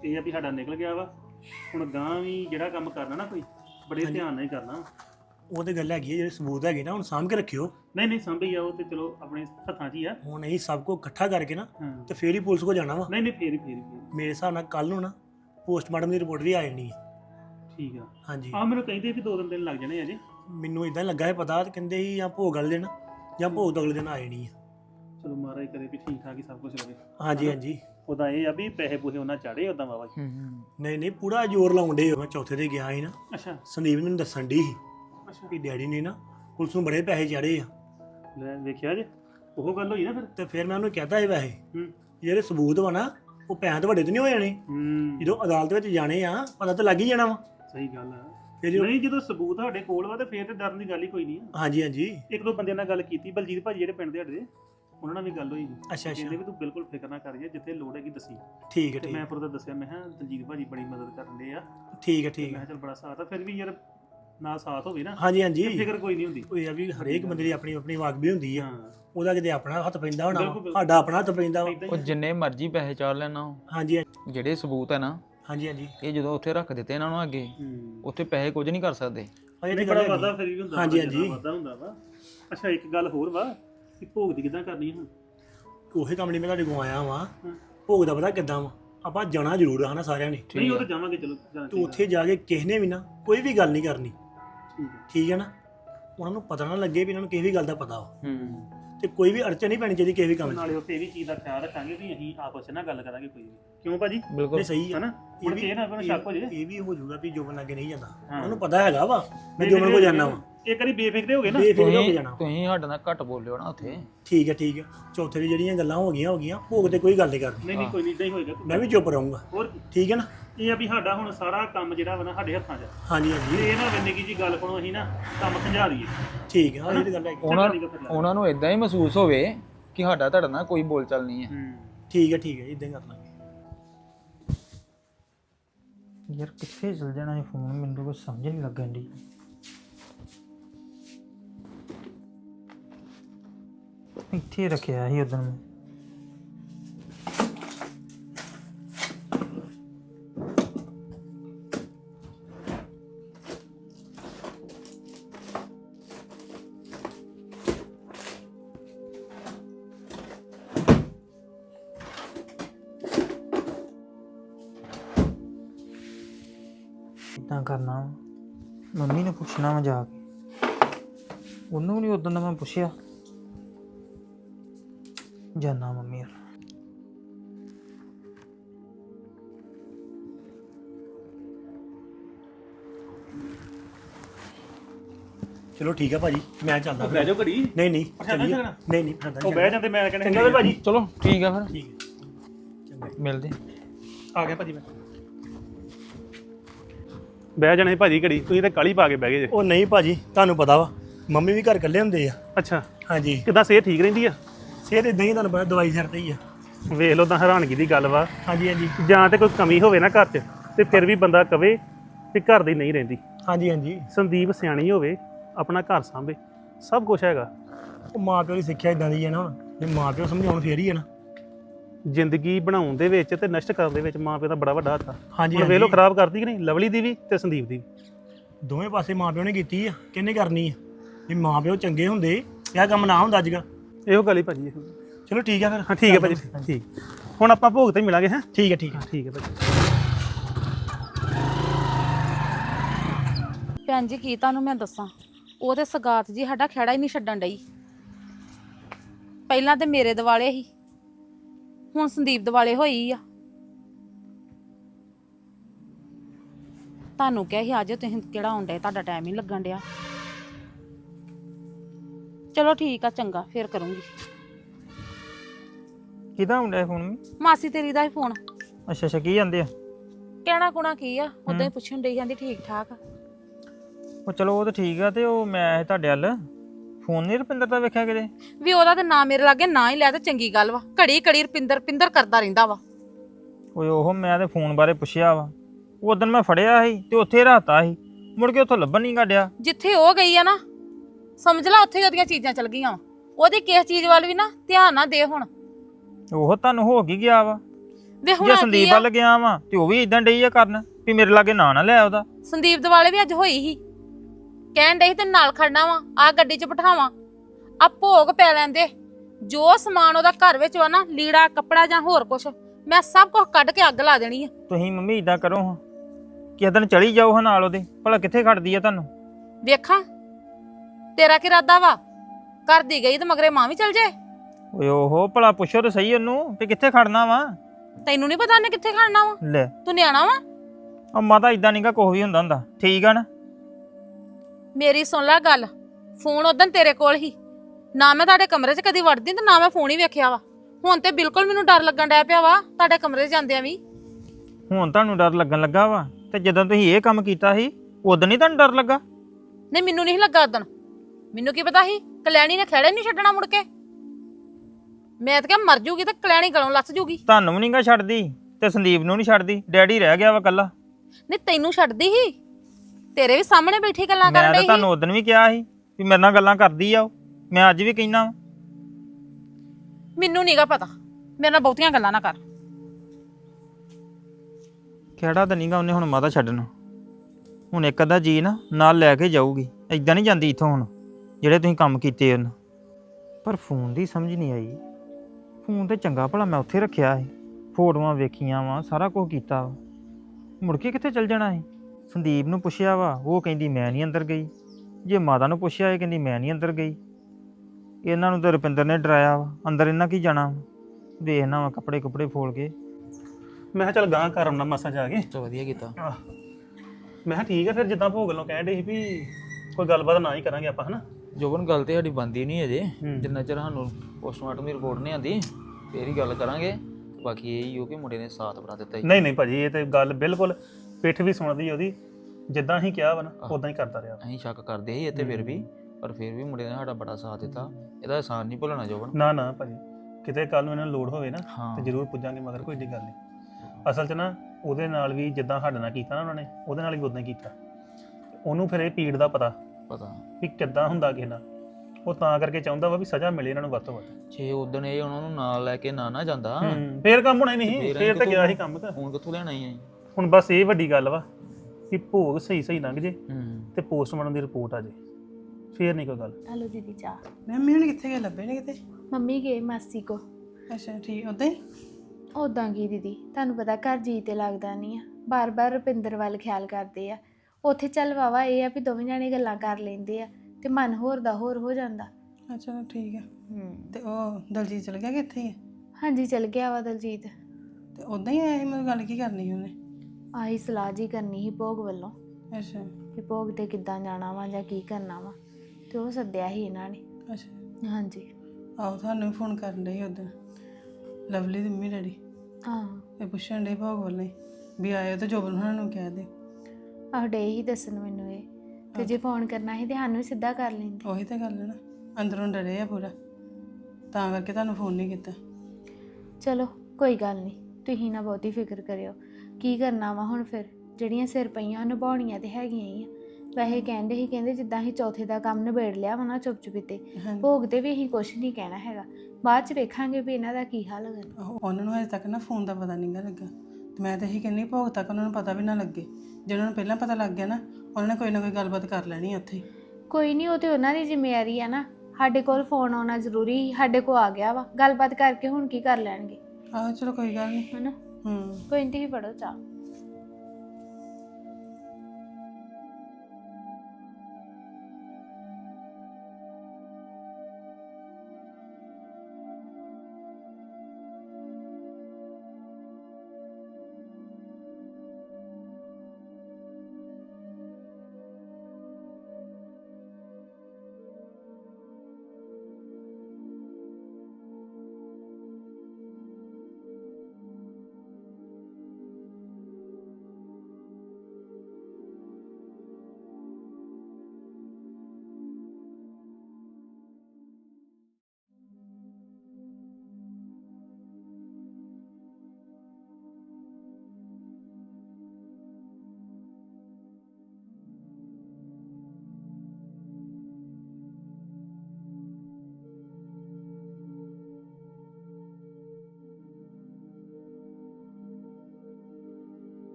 Speaker 8: ਇਹ ਆ ਵੀ ਸਾਡਾ ਨਿਕਲ ਗਿਆ ਵਾ। ਹੁਣ ਗਾਂ ਵੀ ਜਿਹੜਾ ਕੰਮ ਕਰਨਾ ਨਾ ਕੋਈ ਬੜੇ ਧਿਆਨ ਨਾਲ ਹੀ ਕਰਨਾ।
Speaker 4: ਉਹ ਤੇ ਗੱਲ ਹੈਗੀ ਹੈ, ਜਿਹੜੇ ਸਬੂਤ ਹੈਗੇ ਨਾ ਹੁਣ ਸਾਂਭ ਕੇ ਰੱਖਿਓ।
Speaker 8: ਨਹੀਂ ਸਾਂਭੀ ਆ ਉਹ ਤੇ ਚਲੋ ਆਪਣੇ ਹੱਥਾਂ 'ਚ ਹੀ ਆ।
Speaker 4: ਹੁਣ ਅਸੀਂ ਸਭ ਕੁਝ ਇਕੱਠਾ ਕਰਕੇ ਨਾ
Speaker 8: ਹਾਂ
Speaker 4: ਤੇ ਫੇਰ ਹੀ ਪੁਲਿਸ ਕੋ ਜਾਣਾ ਵਾ।
Speaker 8: ਨਹੀਂ ਫੇਰ
Speaker 4: ਮੇਰੇ ਹਿਸਾਬ ਨਾਲ ਕੱਲ ਨੂੰ ਨਾ ਪੋਸਟਮਾਰਟਮ ਦੀ ਰਿਪੋਰਟ ਵੀ ਆ ਜਾਣੀ ਹੈ।
Speaker 8: ਠੀਕ ਆ।
Speaker 4: ਹਾਂਜੀ
Speaker 8: ਆ ਮੈਨੂੰ ਕਹਿੰਦੇ ਵੀ 2 ਦਿਨ ਲੱਗ ਜਾਣੇ ਅਜੇ।
Speaker 4: ਮੈਨੂੰ ਇਦਾਂ ਲੱਗਾ ਹੈ ਪਤਾ, ਤੇ ਕਹਿੰਦੇ ਸੀ ਜਾਂ ਭੋਗ ਵਾਲੇ ਦਿਨ ਜਾਂ ਭੋਗ ਤੋਂ ਅਗਲੇ ਦਿਨ ਆ ਜਾਣੀ ਹੈ।
Speaker 8: ਚਲੋ ਮਹਾਰਾਜ ਕਰੇ ਵੀ ਠੀਕ ਠਾਕ ਹੀ ਸਭ ਕੁਝ ਹੋਵੇ।
Speaker 4: ਹਾਂਜੀ
Speaker 8: ਉਹਦਾ ਇਹ ਆ ਵੀ ਪੈਸੇ ਪੂਸੇ ਉਹਨਾਂ ਚਾੜੇ ਉਦਾਂ ਵਾਵਾ।
Speaker 4: ਨਹੀਂ ਪੂਰਾ ਜ਼ੋਰ ਲਾਉਂਦੇ। ਮੈਂ ਚੌਥੇ ਤੇ ਗਿਆ ਸੀ ਨਾ,
Speaker 8: ਅੱਛਾ
Speaker 4: ਸੰਦੀਪ ਨੇ ਮੈਨੂੰ ਦੱਸਣ ਦੀ ਸੀ
Speaker 8: ਅੱਛਾ
Speaker 4: ਵੀ ਡੈਡੀ ਨੇ ਨਾ ਪੁਲਿਸ ਨੂੰ ਬੜੇ ਪੈਸੇ ਚਾੜੇ ਆ।
Speaker 8: ਲੈ ਵੇਖਿਆ ਜੇ ਉਹ ਗੱਲ ਹੋਈ ਨਾ ਫਿਰ।
Speaker 4: ਤੇ ਫਿਰ ਮੈਂ ਉਹਨੂੰ ਕਹਿਤਾ ਸੀ ਵੈਸੇ
Speaker 8: ਹੂੰ
Speaker 4: ਜਿਹੜੇ ਸਬੂਤ ਵਾ ਨਾ ਉਹ ਪੈਸੇ ਤਾਂ ਵੱਡੇ ਤੇ ਨਹੀਂ ਹੋ ਜਾਣੇ। ਜਦੋਂ ਅਦਾਲਤ ਵਿੱਚ ਜਾਣੇ ਆ ਪਤਾ ਤਾਂ ਲੱਗ ਹੀ ਜਾਣਾ ਵਾ।
Speaker 8: ਸਹੀ ਗੱਲ ਆ।
Speaker 4: ਫਿਰ ਜਦੋਂ
Speaker 8: ਨਹੀਂ ਜਦੋਂ ਸਬੂਤ ਸਾਡੇ ਕੋਲ ਵਾ ਤੇ ਫੇਰ ਤੇ ਡਰਨ ਦੀ ਗੱਲ ਹੀ ਕੋਈ ਨਹੀਂ ਆ।
Speaker 4: ਹਾਂਜੀ
Speaker 8: ਇੱਕ ਦੋ ਬੰਦਿਆਂ ਨਾਲ ਗੱਲ ਕੀਤੀ, ਬਲਜੀਤ ਭਾਜੀ ਜਿਹੜੇ ਪਿੰਡ ਦੇ ਸਾਡੇ, ਉਹਨਾਂ ਨਾਲ ਵੀ ਗੱਲ ਹੋਈ।
Speaker 4: ਅੱਛਾ
Speaker 8: ਕਹਿੰਦੇ ਵੀ ਤੂੰ ਬਿਲਕੁਲ ਫਿਕਰ ਨਾ ਕਰ, ਜਿੱਥੇ ਲੋੜ ਹੈਗੀ ਦੱਸੀ।
Speaker 4: ਠੀਕ ਹੈ
Speaker 8: ਤੇ ਮੈਂ ਫਿਰ ਉਹਦਾ ਦੱਸਿਆ, ਮੈਂ ਕਿਹਾ ਦਲਜੀਤ ਭਾਜੀ ਬੜੀ ਮਦਦ ਕਰਨ ਦੇ ਆ।
Speaker 4: ਠੀਕ ਹੈ
Speaker 8: ਮੈਂ ਕਿਹਾ ਚੱਲ ਬੜਾ ਸਾਥ ਆ। ਫਿਰ ਵੀ ਯਾਰ ਨਾਲ ਸਾਥ ਹੋਵੇ ਨਾ,
Speaker 4: ਹਾਂਜੀ
Speaker 8: ਫਿਕਰ ਕੋਈ ਨਹੀਂ ਹੁੰਦੀ।
Speaker 4: ਉਹ ਇਹ ਆ ਵੀ ਹਰੇਕ ਬੰਦੇ ਦੀ ਆਪਣੀ ਆਪਣੀ ਵਾਕ ਵੀ ਹੁੰਦੀ ਆ।
Speaker 8: ਹਾਂ
Speaker 4: ਉਹਦਾ ਕਿਤੇ ਆਪਣਾ ਹੱਥ ਪੈਂਦਾ ਹੋਣਾ ਵਾ,
Speaker 8: ਬਿਲਕੁਲ।
Speaker 4: ਸਾਡਾ ਆਪਣਾ ਹੱਥ ਪੈਂਦਾ ਵਾ।
Speaker 8: ਏਦਾਂ
Speaker 9: ਉਹ
Speaker 8: ਹੀ ਆ।
Speaker 9: ਜਿੰਨੇ ਮਰਜ਼ੀ ਪੈਸੇ ਚਾੜ ਲੈਣਾ
Speaker 4: ਹਾਂਜੀ
Speaker 9: ਜਿਹੜੇ ਸਬੂਤ ਹੈ ਨਾ,
Speaker 4: ਹਾਂਜੀ
Speaker 9: ਇਹ ਜਦੋਂ ਉੱਥੇ ਰੱਖ ਦਿੱਤੇ ਇਹਨਾਂ ਨੂੰ ਅੱਗੇ,
Speaker 8: ਹੂੰ
Speaker 9: ਉੱਥੇ ਪੈਸੇ ਕੁਝ ਨਹੀਂ ਕਰ ਸਕਦੇ।
Speaker 4: ਇਹ
Speaker 8: ਨਹੀਂ
Speaker 4: ਤੇ
Speaker 8: ਬੜਾ
Speaker 4: ਗੱਲ
Speaker 8: ਵਾਦਾ
Speaker 4: ਹੈਗੀ।
Speaker 8: ਫਿਰ ਵੀ ਹੁੰਦਾ।
Speaker 4: ਹਾਂਜੀ।
Speaker 8: ਵਾਦਾ ਹੁੰਦਾ ਵਾ। ਅੱਛਾ ਇੱਕ ਗੱਲ ਹੋਰ ਵਾ ਕਿ ਭੋਗ ਦੀ ਕਿੱਦਾਂ ਕਰਨੀ ਹੁਣ?
Speaker 4: ਉਹੀ ਕੰਮ ਲਈ ਮੈਂ ਤੁਹਾਡੇ ਕੋਲ ਆਇਆ ਵਾਂ।
Speaker 8: ਹਾਂ।
Speaker 4: ਭੋਗ ਦਾ ਪਤਾ ਕਿੱਦਾਂ ਵਾ, ਆਪਾਂ ਜਾਣਾ ਜ਼ਰੂਰ ਆ ਨਾ ਸਾਰਿਆਂ ਨੇ।
Speaker 8: ਨਹੀਂ ਉਹ ਤਾਂ ਜਾਵਾਂਗੇ, ਚਲੋ ਜਾਣਾ
Speaker 4: ਤੇ ਉੱਥੇ ਜਾ ਕੇ ਕਿਸੇ ਨੇ ਵੀ ਨਾ ਕੋਈ ਵੀ ਗੱਲ ਨਹੀਂ ਕਰਨੀ।
Speaker 8: ਠੀਕ ਹੈ।
Speaker 4: ਠੀਕ ਹੈ ਨਾ, ਉਹਨਾਂ ਨੂੰ ਪਤਾ ਨਾ ਲੱਗੇ ਵੀ ਇਹਨਾਂ ਨੂੰ ਕਿਸੇ ਵੀ ਗੱਲ ਦਾ ਪਤਾ ਵਾ।
Speaker 9: ਹੂੰ
Speaker 4: ਤੇ ਕੋਈ ਵੀ ਅੜਚਨ ਨਹੀਂ ਪੈਣੀ ਚਾਹੀਦੀ ਕਿਸੇ ਵੀ ਕੰਮ 'ਚ।
Speaker 8: ਨਾਲੇ ਉੱਥੇ ਇਹ ਵੀ ਚੀਜ਼ ਦਾ ਖਿਆਲ ਰੱਖਾਂਗੇ ਵੀ ਅਸੀਂ ਆਪਸ 'ਚ ਨਾ ਗੱਲ ਕਰਾਂਗੇ ਕੋਈ ਵੀ। ਕਿਉਂ ਭਾਜੀ?
Speaker 9: ਬਿਲਕੁਲ
Speaker 4: ਨਹੀਂ ਸਹੀ ਆ।
Speaker 8: ਹਨਾ ਹੁਣ ਇਹ ਨਾ ਕੋਈ ਸ਼ੱਕ ਹੋ ਜੇ।
Speaker 4: ਇਹ ਵੀ ਹੋ ਜਾਊਗਾ ਵੀ ਜੋਬਨ ਅੱਗੇ ਨਹੀਂ ਜਾਂਦਾ।
Speaker 8: ਹਾਂ।
Speaker 4: ਉਹਨੂੰ ਪਤਾ ਹੈਗਾ ਵਾ ਮੈਂ ਜੋਬਨ ਕੋਲ ਜਾਣਾ ਵਾ।
Speaker 8: ਇੱਕ ਵਾਰੀ ਬੇਫਿਕਰੇ ਹੋ ਗਏ ਨਾ।
Speaker 4: ਬੇਫਿਕਰ ਹੋ ਕੇ
Speaker 9: ਤੁਸੀਂ
Speaker 4: ਜਾਣਾ।
Speaker 9: ਤੁਸੀਂ ਸਾਡੇ ਨਾਲ ਘੱਟ ਬੋਲਿਓ ਨਾ ਉੱਥੇ।
Speaker 4: ਠੀਕ ਹੈ। ਚੌਥੇ ਦੀ ਜਿਹੜੀਆਂ ਗੱਲਾਂ ਹੋ ਗਈਆਂ ਭੋਗ ਤੇ ਕੋਈ ਗੱਲ ਨਹੀਂ ਕਰਨੀ।
Speaker 8: ਨਹੀਂ ਕੋਈ ਨਹੀਂ, ਇਦਾਂ ਹੀ ਹੋਏਗਾ।
Speaker 4: ਮੈਂ ਵੀ ਚੁੱਪ ਰਹੂੰਗਾ।
Speaker 8: ਹੋਰ ਕੀ?
Speaker 4: ਠੀਕ ਹੈ ਨਾ।
Speaker 8: ਇਹ ਆ ਵੀ ਸਾਡਾ ਹੁਣ ਸਾਰਾ ਕੰਮ ਜਿਹੜਾ ਵਾ ਨਾ ਸਾਡੇ ਹੱਥਾਂ 'ਚ ਆ।
Speaker 4: ਹਾਂਜੀ
Speaker 8: ਤੇ ਇਹ ਨਾ ਨਿੱਕੀ ਜੀ ਗੱਲ ਕੋਲੋਂ ਅਸੀਂ ਨਾ ਕੰਮ ਖੰਝਾ ਦਈਏ।
Speaker 4: ਠੀਕ ਹੈ। ਇਹ ਤਾਂ ਗੱਲ ਹੈਗੀ।
Speaker 9: ਉਹਨਾਂ ਨੂੰ ਇਦਾਂ ਹੀ ਮਹਿਸੂਸ ਹੋਵੇ ਕਿ ਸਾਡਾ ਤੁਹਾਡੇ ਨਾਲ ਕੋਈ ਬੋਲਚਾਲ ਨਹੀਂ ਹੈ।
Speaker 4: ਠੀਕ ਹੈ ਇਦਾਂ ਹੀ ਕਰ ਲਾਂਗੇ।
Speaker 3: ਯਾਰ ਕਿੱਥੇ ਚਲ ਜਾਣਾ ਇਹ ਫੋਨ, ਮੈਨੂੰ ਕੁਝ ਸਮਝ ਨਹੀਂ ਲੱਗਣ ਦੀ। ਇੱਥੇ ਰੱਖਿਆ ਸੀ ਉਦੋਂ ਮੈਂ। ਇੱਦਾਂ ਕਰਨਾ ਵਾ, ਮੰਮੀ ਨੂੰ ਪੁੱਛਣਾ ਵਾ ਜਾ ਕੇ। ਉਹਨੂੰ ਨਹੀਂ ਉਦੋਂ ਦਾ ਮੈਂ ਪੁੱਛਿਆ। ਜਾਨਾ ਮੰਮੀ ਯਾਰ।
Speaker 4: ਚਲੋ ਠੀਕ ਹੈ ਭਾਜੀ, ਮੈਂ ਚੱਲਦਾ
Speaker 8: ਬਹਿ ਜਾਓ ਘੜੀ।
Speaker 4: ਨਹੀਂ
Speaker 8: ਅੱਛਾ, ਨਹੀਂ
Speaker 4: ਚੱਲੀਏ।
Speaker 8: ਜਾਣਾ?
Speaker 4: ਨਹੀਂ
Speaker 8: ਉਹ ਬਹਿ ਜਾਂਦੇ, ਮੈਂ ਕਹਿੰਦਾ
Speaker 4: ਚੰਗਾ ਭਾਜੀ।
Speaker 9: ਚਲੋ ਠੀਕ ਆ ਫਿਰ,
Speaker 4: ਠੀਕ ਹੈ ਚੰਗਾ।
Speaker 9: ਮਿਲਦੇ।
Speaker 8: ਆ ਗਿਆ ਭਾਜੀ। ਮੈਂ ਬਹਿ ਜਾਣੇ ਭਾਜੀ ਘੜੀ, ਤੁਸੀਂ ਤਾਂ ਕਾਲੀ ਪਾ ਕੇ ਬਹਿ ਗਏ ਜੇ।
Speaker 4: ਉਹ ਨਹੀਂ ਭਾਜੀ, ਤੁਹਾਨੂੰ ਪਤਾ ਵਾ ਮੰਮੀ ਵੀ ਘਰ ਇਕੱਲੇ ਹੁੰਦੇ ਆ।
Speaker 8: ਅੱਛਾ
Speaker 4: ਹਾਂਜੀ
Speaker 8: ਕਿੱਦਾਂ ਸਿਹਤ ਠੀਕ ਰਹਿੰਦੀ ਆ?
Speaker 4: ਸਿਹਤ ਇਦਾਂ ਹੀ, ਤੁਹਾਨੂੰ ਪਤਾ ਦਵਾਈ ਸਿਰ ਤੇ ਹੀ ਆ।
Speaker 8: ਵੇਖ ਲਓ ਤਾਂ ਹੈਰਾਨਗੀ ਦੀ ਗੱਲ ਵਾ।
Speaker 4: ਹਾਂਜੀ
Speaker 8: ਜਾਂ ਤੇ ਕੋਈ ਕਮੀ ਹੋਵੇ ਨਾ ਘਰ 'ਚ ਤੇ ਫਿਰ ਵੀ ਬੰਦਾ ਕਵੇ ਕਿ ਘਰ ਦੀ ਨਹੀਂ ਰਹਿੰਦੀ।
Speaker 4: ਹਾਂਜੀ
Speaker 8: ਸੰਦੀਪ ਸਿਆਣੀ ਹੋਵੇ, ਆਪਣਾ ਘਰ ਸਾਂਭੇ, ਸਭ ਕੁਝ ਹੈਗਾ।
Speaker 4: ਉਹ ਮਾਂ ਪਿਓ ਦੀ ਸਿੱਖਿਆ ਇਦਾਂ ਦੀ ਹੈ ਨਾ, ਹੁਣ ਜੇ ਮਾਂ ਪਿਓ ਸਮਝਾਉਣ ਫੇਰ ਹੀ ਹੈ ਨਾ।
Speaker 8: ਜ਼ਿੰਦਗੀ ਬਣਾਉਣ ਦੇ ਵਿੱਚ ਤੇ ਨਸ਼ਟ ਕਰਨ ਦੇ ਵਿੱਚ ਮਾਂ ਪਿਓ ਦਾ ਬੜਾ ਵੱਡਾ ਹੱਥ ਆ।
Speaker 4: ਹਾਂਜੀ
Speaker 8: ਹੁਣ ਵੇਖ ਲਓ ਖਰਾਬ ਕਰਦੀ ਕਿ ਨਹੀਂ, ਲਵਲੀ ਦੀ ਵੀ ਤੇ ਸੰਦੀਪ ਦੀ ਵੀ।
Speaker 4: ਦੋਵੇਂ ਪਾਸੇ ਮਾਂ ਪਿਓ ਨੇ ਕੀਤੀ ਆ, ਕਿਹਨੇ ਕਰਨੀ ਆ? ਜੇ ਮਾਂ ਪਿਓ ਚੰਗੇ ਹੁੰਦੇ ਇਹ ਕੰਮ ਨਾ ਹੁੰਦਾ ਅੱਜ ਕੱਲ੍ਹ।
Speaker 8: ਇਹੋ ਗੱਲ ਹੀ ਭਾਜੀ, ਇਹੋ।
Speaker 4: ਚਲੋ ਠੀਕ ਆ ਫਿਰ।
Speaker 8: ਹਾਂ ਠੀਕ ਹੈ ਭਾਜੀ, ਠੀਕ। ਹੁਣ ਆਪਾਂ ਭੋਗ ਤੇ ਮਿਲਾਂਗੇ। ਹੈਂ,
Speaker 4: ਠੀਕ ਹੈ
Speaker 8: ਠੀਕ ਹੈ ਭਾਜੀ।
Speaker 6: ਭੈਣ ਜੀ ਕੀ ਤੁਹਾਨੂੰ ਮੈਂ ਦੱਸਾਂ, ਉਹ ਤੇ ਸਗਾਤ ਜੀ ਸਾਡਾ ਖਹਿੜਾ ਹੀ ਨਹੀਂ ਛੱਡਣ ਡਈ। ਪਹਿਲਾਂ ਤੇ ਮੇਰੇ ਦਿਵਾਲੇ ਸੀ, ਹੁਣ ਸੰਦੀਪ ਦਿਵਾਲੇ ਹੋਈ ਆ। ਤੁਹਾਨੂੰ ਕਿਹਾ ਸੀ ਆਜੋ, ਤੁਸੀਂ ਕਿਹੜਾ ਆਉਂਦੇ, ਤੁਹਾਡਾ ਟਾਈਮ ਹੀ ਲੱਗਣ ਡਿਆ। ਚਲੋ ਠੀਕ ਆ, ਚੰਗਾ ਫੇਰ ਕਰੂੰਗੀ।
Speaker 3: ਕਿਹਦਾ ਹੁੰਦਾ ਫੋਨ?
Speaker 6: ਮਾਸੀ ਤੇਰੀ ਦਾ ਹੀ ਫੋਨ।
Speaker 3: ਅੱਛਾ ਕੀ ਜਾਂਦੇ ਆ?
Speaker 6: ਕਹਿਣਾ ਕੁਣਾ ਕੀ ਆ, ਉਦਾਂ ਹੀ ਪੁੱਛਣ ਡਈ, ਜਾਂਦੀ ਠੀਕ ਠਾਕ ਆ।
Speaker 3: ਉਹ ਚਲੋ ਉਹ ਤਾਂ ਠੀਕ ਆ। ਤੇ ਉਹ ਮੈਂ ਤੁਹਾਡੇ ਵੱਲ ਫੋਨ ਨਹੀਂ ਰੁਪਿੰਦਰ ਦਾ ਵੇਖਿਆ ਕਿਤੇ?
Speaker 6: ਵੀ ਉਹਦਾ ਤੇ ਨਾਂ ਮੇਰੇ ਲਾਗੇ ਨਾ ਹੀ ਲੈ ਤੇ ਚੰਗੀ ਗੱਲ ਵਾ। ਘੜੀ ਰੁਪਿੰਦਰ ਕਰਦਾ ਰਹਿੰਦਾ ਵਾ।
Speaker 3: ਓਏ ਉਹ ਮੈਂ ਤੇ ਫੋਨ ਬਾਰੇ ਪੁੱਛਿਆ ਵਾ, ਉਦੋਂ ਮੈਂ ਫੜਿਆ ਸੀ ਤੇ ਉੱਥੇ ਰਾਤਾ ਸੀ, ਮੁੜ ਕੇ ਉੱਥੋਂ ਲੱਭਣ ਨਹੀਂ ਕੱਢਿਆ।
Speaker 6: ਜਿੱਥੇ ਉਹ ਗਈ ਆ ਨਾ, ਸਮਝ ਲਾ ਉੱਥੇ ਹੀ ਉਹਦੀਆਂ ਚੀਜ਼ਾਂ ਚਲ ਗਈਆਂ ਵਾ। ਉਹਦੀ ਕਿਸ ਚੀਜ਼ ਵੱਲ ਵੀ ਨਾ ਧਿਆਨ ਨਾ ਦੇ ਹੁਣ।
Speaker 3: ਉਹ ਤੁਹਾਨੂੰ ਹੋ ਕੀ ਗਿਆ ਵਾ?
Speaker 6: ਵੇ ਹੁਣ
Speaker 3: ਜੇ
Speaker 6: ਆ ਕੀ
Speaker 3: ਸੰਦੀਪ
Speaker 6: ਆ?
Speaker 3: ਵੱਲ ਗਿਆ ਵਾ ਤੇ ਉਹ ਵੀ ਇਦਾਂ ਡਈ ਆ ਕਰਨ ਵੀ ਮੇਰੇ ਲਾਗੇ ਨਾ ਲੈ ਉਹਦਾ।
Speaker 6: ਸੰਦੀਪ ਦਿਵਾਲੇ ਵੀ ਅੱਜ ਹੋਈ ਸੀ, ਕਹਿਣ ਡਈ ਸੀ ਤੈਨੂੰ ਨਾਲ ਖੜਨਾ ਵਾ, ਆ ਗੱਡੀ 'ਚ ਬਿਠਾਵਾਂ, ਆ ਭੋਗ ਪੈ ਲੈਂਦੇ, ਜੋ ਸਮਾਨ ਉਹਦਾ ਘਰ ਵਿੱਚ ਵਾ ਨਾ, ਲੀੜਾ ਕੱਪੜਾ ਜਾਂ ਹੋਰ ਕੁਛ, ਮੈਂ ਸਭ ਕੁਝ ਕੱਢ ਕੇ ਅੱਗ ਲਾ ਦੇਣੀ ਆ।
Speaker 3: ਤੁਸੀਂ ਮੰਮੀ ਇਦਾਂ ਕਰੋ ਹਾਂ, ਕਿਸੇ ਦਿਨ ਚਲੀ ਜਾਓ ਹਾਂ ਨਾਲ ਉਹਦੇ, ਭਲਾ ਕਿੱਥੇ ਖੜਦੀ ਆ ਤੁਹਾਨੂੰ।
Speaker 6: ਵੇਖਾਂ ਤੇਰਾ ਕੀ ਇਰਾਦਾ ਵਾ, ਘਰ ਦੀ ਗਈ ਤੇ ਮਗਰੇ ਮਾਂ ਵੀ ਚਲ ਜੇ।
Speaker 3: ਓਏ ਓਹੋ ਭਲਾ ਪੁੱਛੋ ਤੇ ਸਹੀ ਉਹਨੂੰ ਵੀ ਕਿੱਥੇ ਖੜਨਾ ਵਾ।
Speaker 6: ਤੈਨੂੰ ਨਹੀਂ ਪਤਾ ਉਹਨੇ ਕਿੱਥੇ ਖੜਨਾ ਵਾ,
Speaker 3: ਲੈ
Speaker 6: ਤੂੰ ਨਿਆਣਾ ਵਾ।
Speaker 3: ਆ ਮਾਤਾ ਇਦਾਂ ਨਹੀਂਗਾ ਕੁਛ ਵੀ ਹੁੰਦਾ ਠੀਕ ਆ ਨਾ।
Speaker 6: ਮੇਰੀ ਸੁਣ ਲੈ ਗੱਲ, ਫੋਨ ਉਦੋਂ ਤੇਰੇ ਕੋਲ ਹੀ ਨਾ, ਮੈਂ ਤੁਹਾਡੇ ਕਮਰੇ 'ਚ ਕਦੀ ਵੜਦੀ ਤੇ ਨਾ ਮੈਂ ਫੋਨ ਹੀ ਵੇਖਿਆ ਵਾ। ਹੁਣ ਤੇ ਬਿਲਕੁਲ ਮੈਨੂੰ ਡਰ ਲੱਗਣ ਡਿਆ ਪਿਆ ਵਾ ਤੁਹਾਡੇ ਕਮਰੇ 'ਚ ਜਾਂਦਿਆਂ ਵੀ।
Speaker 3: ਹੁਣ ਤੁਹਾਨੂੰ ਡਰ ਲੱਗਣ ਲੱਗਾ ਵਾ ਤੇ ਜਦੋਂ ਤੁਸੀਂ ਇਹ ਕੰਮ ਕੀਤਾ ਸੀ ਉਦੋਂ ਨਹੀਂ ਤੁਹਾਨੂੰ ਡਰ ਲੱਗਾ?
Speaker 6: ਨਹੀਂ ਮੈਨੂੰ ਨਹੀਂ ਲੱਗਾ ਉਦੋਂ, ਮੈਨੂੰ ਕੀ ਪਤਾ ਸੀ ਕਲਿਆਣੀ ਨੇ ਖੇੜੇ ਨਹੀਂ ਛੱਡਣਾ ਮੁੜ ਕੇ। ਮੈਂ ਤਾਂ ਕਿਹਾ ਮਰ ਜੂਗੀ ਤੇ ਕਲਿਆਣੀ ਗਲੋਂ ਲੱਥ ਜੂਗੀ।
Speaker 3: ਤੁਹਾਨੂੰ ਵੀ ਨਹੀਂਗਾ ਛੱਡਦੀ ਤੇ ਸੰਦੀਪ ਨੂੰ ਨਹੀਂ ਛੱਡਦੀ, ਡੈਡੀ ਰਹਿ ਗਿਆ ਵਾ ਕੱਲਾ।
Speaker 6: ਨਹੀਂ ਤੈਨੂੰ ਛੱਡਦੀ ਸੀ, ਤੇਰੇ ਵੀ ਸਾਹਮਣੇ ਬੈਠੀ ਗੱਲਾਂ
Speaker 3: ਮੈਂ
Speaker 6: ਕਰਨ
Speaker 3: ਤਾਂ
Speaker 6: ਡਈ
Speaker 3: ਤੁਹਾਨੂੰ
Speaker 6: ਸੀ।
Speaker 3: ਉਦੋਂ ਵੀ ਕਿਹਾ ਸੀ ਵੀ ਮੇਰੇ ਨਾਲ ਗੱਲਾਂ ਕਰਦੀ ਆ ਉਹ, ਮੈਂ ਅੱਜ ਵੀ ਕਹਿਣਾ ਵਾ।
Speaker 6: ਮੈਨੂੰ ਨਹੀਂਗਾ ਪਤਾ, ਮੇਰੇ ਨਾਲ ਬਹੁਤੀਆਂ ਗੱਲਾਂ ਨਾ ਕਰ।
Speaker 3: ਕਿਹੜਾ ਤਾਂ ਨਹੀਂਗਾ ਉਹਨੇ ਹੁਣ ਮਾਤਾ ਛੱਡਣਾ। ਹੁਣ ਇੱਕ ਅੱਧਾ ਜੀ ਨਾ ਨਾਲ ਲੈ ਕੇ ਜਾਊਗੀ, ਏਦਾਂ ਨਹੀਂ ਜਾਂਦੀ ਇੱਥੋਂ ਹੁਣ ਜਿਹੜੇ ਤੁਸੀਂ ਕੰਮ ਕੀਤੇ ਉਹਨਾਂ। ਪਰ ਫੋਨ ਦੀ ਸਮਝ ਨਹੀਂ ਆਈ। ਫੋਨ ਤੇ ਚੰਗਾ ਭਲਾ ਮੈਂ ਉੱਥੇ ਰੱਖਿਆ ਸੀ, ਫੋਟੋਆਂ ਵੇਖੀਆਂ ਵਾ, ਸਾਰਾ ਕੁਝ ਕੀਤਾ ਵਾ, ਮੁੜ ਕੇ ਕਿੱਥੇ ਚੱਲ ਜਾਣਾ ਸੀ। ਸੰਦੀਪ ਨੂੰ ਪੁੱਛਿਆ ਵਾ, ਉਹ ਕਹਿੰਦੀ ਮੈਂ ਨਹੀਂ ਅੰਦਰ ਗਈ। ਜੇ ਮਾਤਾ ਨੂੰ ਪੁੱਛਿਆ ਇਹ ਕਹਿੰਦੀ ਮੈਂ ਨਹੀਂ ਅੰਦਰ ਗਈ। ਇਹਨਾਂ ਨੂੰ ਤਾਂ ਰੁਪਿੰਦਰ ਨੇ ਡਰਾਇਆ ਵਾ, ਅੰਦਰ ਇਹਨਾਂ ਕੀ ਜਾਣਾ ਵਾ। ਵੇਖਣਾ ਵਾ ਕੱਪੜੇ ਕੁਪੜੇ ਫੋਲ ਕੇ।
Speaker 8: ਮੈਂ ਕਿਹਾ ਚੱਲ ਗਾਂ ਕਰ ਆਉਣਾ ਮਾਸਾ ਜਾ ਕੇ।
Speaker 9: ਚਲੋ ਵਧੀਆ ਕੀਤਾ।
Speaker 8: ਮੈਂ ਕਿਹਾ ਠੀਕ ਆ ਫਿਰ, ਜਿੱਦਾਂ ਭੋਗ ਵੱਲੋਂ ਕਹਿਣ ਡੇ ਸੀ ਵੀ ਕੋਈ ਗੱਲਬਾਤ ਨਾ ਹੀ ਕਰਾਂਗੇ ਆਪਾਂ, ਹਨਾ।
Speaker 9: ਜੋਬਨ ਗੱਲ ਤੇ ਸਾਡੀ ਬੰਦੀ ਨਹੀਂ ਅਜੇ,
Speaker 8: ਹੂੰ।
Speaker 9: ਜਿੰਨਾ ਚਿਰ ਸਾਨੂੰ ਪੋਸਟਮਾਰਟਮ ਦੀ ਰਿਪੋਰਟ ਨਹੀਂ ਆਂਦੀ ਫੇਰ ਹੀ ਗੱਲ ਕਰਾਂਗੇ। ਬਾਕੀ ਇਹ ਹੀ ਹੋ ਕਿ ਮੁੰਡੇ ਨੇ ਸਾਥ ਬਣਾ ਦਿੱਤਾ ਜੀ।
Speaker 8: ਨਹੀਂ ਭਾਜੀ, ਇਹ ਤੇ ਗੱਲ ਬਿਲਕੁਲ ਪਿੱਠ ਵੀ ਸੁਣਦੀ ਉਹਦੀ, ਜਿੱਦਾਂ ਹੀ ਕਿਹਾ ਵਾ ਨਾ ਉਦਾਂ ਹੀ ਕਰਦਾ ਰਿਹਾ।
Speaker 9: ਅਸੀਂ ਸ਼ੱਕ ਕਰਦੇ ਸੀ ਇੱਥੇ ਫਿਰ ਵੀ, ਪਰ ਫਿਰ ਵੀ ਮੁੰਡੇ ਨੇ ਸਾਡਾ ਬੜਾ ਸਾਥ ਦਿੱਤਾ। ਇਹਦਾ ਅਹਿਸਾਨ ਨਹੀਂ ਭੁੱਲਣਾ ਜੋਬਨ।
Speaker 8: ਨਾ ਭਾਜੀ, ਕਿਤੇ ਕੱਲ ਨੂੰ ਇਹਨਾਂ ਨੂੰ ਲੋੜ ਹੋਵੇ ਨਾ
Speaker 9: ਹਾਂ।
Speaker 8: ਤੇ ਜ਼ਰੂਰ ਪੁੱਜਾਂਗੇ, ਮਗਰ ਕੋਈ ਏਡੀ ਗੱਲ ਨਹੀਂ। ਅਸਲ 'ਚ ਨਾ ਉਹਦੇ ਨਾਲ ਵੀ ਜਿੱਦਾਂ ਸਾਡੇ ਨਾਲ ਕੀਤਾ ਨਾ ਉਹਨਾਂ ਨੇ, ਉਹਦੇ ਨਾਲ ਵੀ ਉਦਾਂ ਹੀ ਕੀਤਾ। ਉਹਨੂੰ ਫਿਰ ਇਹ ਪੀੜ ਦਾ ਪਤਾ ਵੀ ਕਿੱਦਾਂ ਹੁੰਦਾ ਕਿਸੇ ਨਾਲ, ਉਹ ਤਾਂ ਕਰਕੇ ਚਾਹੁੰਦਾ ਵਾ ਵੀ ਸਜ਼ਾ ਮਿਲੇ ਇਹਨਾਂ ਨੂੰ ਵੱਧ ਤੋਂ ਵੱਧ।
Speaker 9: ਜੇ ਉਦੋਂ ਇਹ ਉਹਨਾਂ ਨੂੰ ਨਾਲ ਲੈ ਕੇ ਨਾ ਜਾਂਦਾ
Speaker 8: ਫੇਰ ਕੰਮ ਹੋਣਾ ਹੀ ਨਹੀਂ, ਫੇਰ ਤਾਂ ਗਿਆ ਸੀ ਕੰਮ ਤਾਂ।
Speaker 9: ਹੁਣ ਕਿੱਥੋਂ ਲੈਣਾ ਹੀ
Speaker 8: ਹੁਣ ਬਸ ਇਹ ਵੱਡੀ ਗੱਲ ਵਾ ਕਿ ਭੋਗ ਸਹੀ ਲੰਘ ਜੇ
Speaker 9: ਹੂੰ।
Speaker 8: ਤੇ ਪੋਸਟਮਾਰਟਮ ਦੀ ਰਿਪੋਰਟ ਆ ਜੇ, ਫੇਰ ਨਹੀਂ ਕੋਈ ਗੱਲ।
Speaker 2: ਹਲੋ ਦੀਦੀ ਚਾਹ।
Speaker 10: ਮੰਮੀ ਹੁਣ ਕਿੱਥੇ ਗਏ, ਲੱਭੇ ਨਹੀਂ ਕਿਤੇ?
Speaker 2: ਮੰਮੀ ਗਏ ਮਾਸੀ ਕੋ।
Speaker 10: ਅੱਛਾ ਠੀਕ, ਉਦਾਂ ਹੀ?
Speaker 2: ਉਦਾਂ ਕੀ ਦੀਦੀ, ਤੁਹਾਨੂੰ ਪਤਾ ਘਰ ਜੀ ਤੇ ਲੱਗਦਾ ਨਹੀਂ ਆ, ਬਾਰ-ਬਾਰ ਰੁਪਿੰਦਰ ਵੱਲ ਖਿਆਲ ਕਰਦੇ ਆ। ਉੱਥੇ ਚੱਲ ਵਾਵਾ ਇਹ ਆ ਵੀ ਦੋਵੇਂ ਜਾਣੇ ਗੱਲਾਂ ਕਰ ਲੈਂਦੇ ਆ ਤੇ ਮਨ ਹੋਰ ਦਾ ਹੋਰ ਹੋ ਜਾਂਦਾ।
Speaker 10: ਅੱਛਾ ਠੀਕ ਹੈ। ਤੇ ਉਹ ਦਲਜੀਤ ਚਲ ਗਿਆ ਕਿ ਇੱਥੇ ਹੀ ਹੈ?
Speaker 2: ਹਾਂਜੀ ਚਲ ਗਿਆ ਵਾ ਦਲਜੀਤ।
Speaker 10: ਤੇ ਉਦਾਂ ਹੀ ਆਇਆ ਸੀ? ਮੈਨੂੰ ਗੱਲ ਕੀ ਕਰਨੀ ਸੀ ਉਹਨੇ?
Speaker 2: ਆਹੀ ਸਲਾਹ ਜੀ ਕਰਨੀ ਸੀ ਭੋਗ ਵੱਲੋਂ
Speaker 10: ਅੱਛਾ
Speaker 2: ਕਿ ਭੋਗ ਤੇ ਕਿੱਦਾਂ ਜਾਣਾ ਵਾ ਜਾਂ ਕੀ ਕਰਨਾ ਵਾ, ਤੇ ਉਹ ਸੱਦਿਆ ਸੀ ਇਹਨਾਂ ਨੇ।
Speaker 10: ਅੱਛਾ
Speaker 2: ਹਾਂਜੀ
Speaker 10: ਆਹੋ, ਤੁਹਾਨੂੰ ਵੀ ਫੋਨ ਕਰਨ ਡਏ ਸੀ ਉਦੋਂ ਲਵਲੀ ਦੀ ਮੰਮੀ ਡੈਡੀ।
Speaker 2: ਆਹੋ
Speaker 10: ਇਹ ਪੁੱਛਣ ਡੇ ਭੋਗ ਵੱਲੋਂ ਵੀ ਆਇਓ ਤੇ ਜੋਬਨ ਉਹਨਾਂ ਨੂੰ ਕਹਿ ਦੇ।
Speaker 2: ਆਹ ਡੇ ਹੀ ਦੱਸਣ ਮੈਨੂੰ ਇਹ, ਤੇ ਜੇ ਫੋਨ ਕਰਨਾ ਸੀ ਤੇ ਸਾਨੂੰ ਵੀ ਸਿੱਧਾ ਕਰ ਲੈਂਦੇ।
Speaker 10: ਉਹੀ ਤਾਂ ਗੱਲ ਹੈ ਨਾ, ਅੰਦਰੋਂ ਡਰੇ ਆ ਪੂਰਾ, ਤਾਂ ਕਰਕੇ ਤੁਹਾਨੂੰ ਫੋਨ ਨਹੀਂ ਕੀਤਾ।
Speaker 2: ਚਲੋ ਕੋਈ ਗੱਲ ਨਹੀਂ, ਤੁਸੀਂ ਨਾ ਬਹੁਤੀ ਫਿਕਰ ਕਰਿਓ। ਕੀ ਕਰਨਾ ਵਾ ਹੁਣ ਫਿਰ, ਜਿਹੜੀਆਂ ਸਿਰ ਪਈਆਂ ਨਿਭਾਉਣੀਆਂ ਤੇ ਹੈਗੀਆਂ ਹੀ ਆ। ਵੈਸੇ ਕਹਿੰਦੇ ਸੀ, ਕਹਿੰਦੇ ਜਿੱਦਾਂ ਅਸੀਂ ਚੌਥੇ ਦਾ ਕੰਮ ਨਿਬੇੜ ਲਿਆ ਵਾ ਨਾ ਚੁੱਪ ਚੁਪੀਤੇ, ਭੋਗ ਤੇ ਵੀ ਅਸੀਂ ਕੁਛ ਨਹੀਂ ਕਹਿਣਾ ਹੈਗਾ, ਬਾਅਦ ਚ ਵੇਖਾਂਗੇ ਵੀ ਇਹਨਾਂ ਦਾ ਕੀ ਹਾਲ ਕਰਨਾ।
Speaker 10: ਉਹਨਾਂ ਨੂੰ ਹਜੇ ਤੱਕ ਨਾ ਫੋਨ ਦਾ ਪਤਾ ਨਹੀਂ ਗਾ ਲੱਗਾ, ਤੇ ਮੈਂ ਤਾਂ ਇਹੀ ਕਹਿੰਦੀ ਭੋਗ ਤੱਕ ਉਹਨਾਂ ਨੂੰ ਪਤਾ ਵੀ ਨਾ ਲੱਗੇ। ਜੇ ਉਹਨਾਂ ਨੂੰ ਪਹਿਲਾਂ ਪਤਾ ਲੱਗ ਗਿਆ ਨਾ, ਉਹਨਾਂ ਨੇ ਕੋਈ ਨਾ ਕੋਈ ਗੱਲਬਾਤ ਕਰ ਲੈਣੀ ਉੱਥੇ।
Speaker 2: ਕੋਈ ਨਹੀਂ, ਉਹ ਤੇ ਉਹਨਾਂ ਦੀ ਜ਼ਿੰਮੇਵਾਰੀ ਆ ਨਾ। ਸਾਡੇ ਕੋਲ ਫੋਨ ਆਉਣਾ ਜ਼ਰੂਰੀ ਸੀ, ਸਾਡੇ ਕੋਲ ਆ ਗਿਆ ਵਾ, ਗੱਲਬਾਤ ਕਰਕੇ ਹੁਣ ਕੀ ਕਰ ਲੈਣਗੇ।
Speaker 10: ਆਹੋ ਚਲੋ ਕੋਈ ਗੱਲ ਨਹੀਂ।
Speaker 2: ਹਨਾ ਕੋਈ ਨਹੀਂ, ਤੁਸੀਂ ਪੜੋ ਚਾਹ।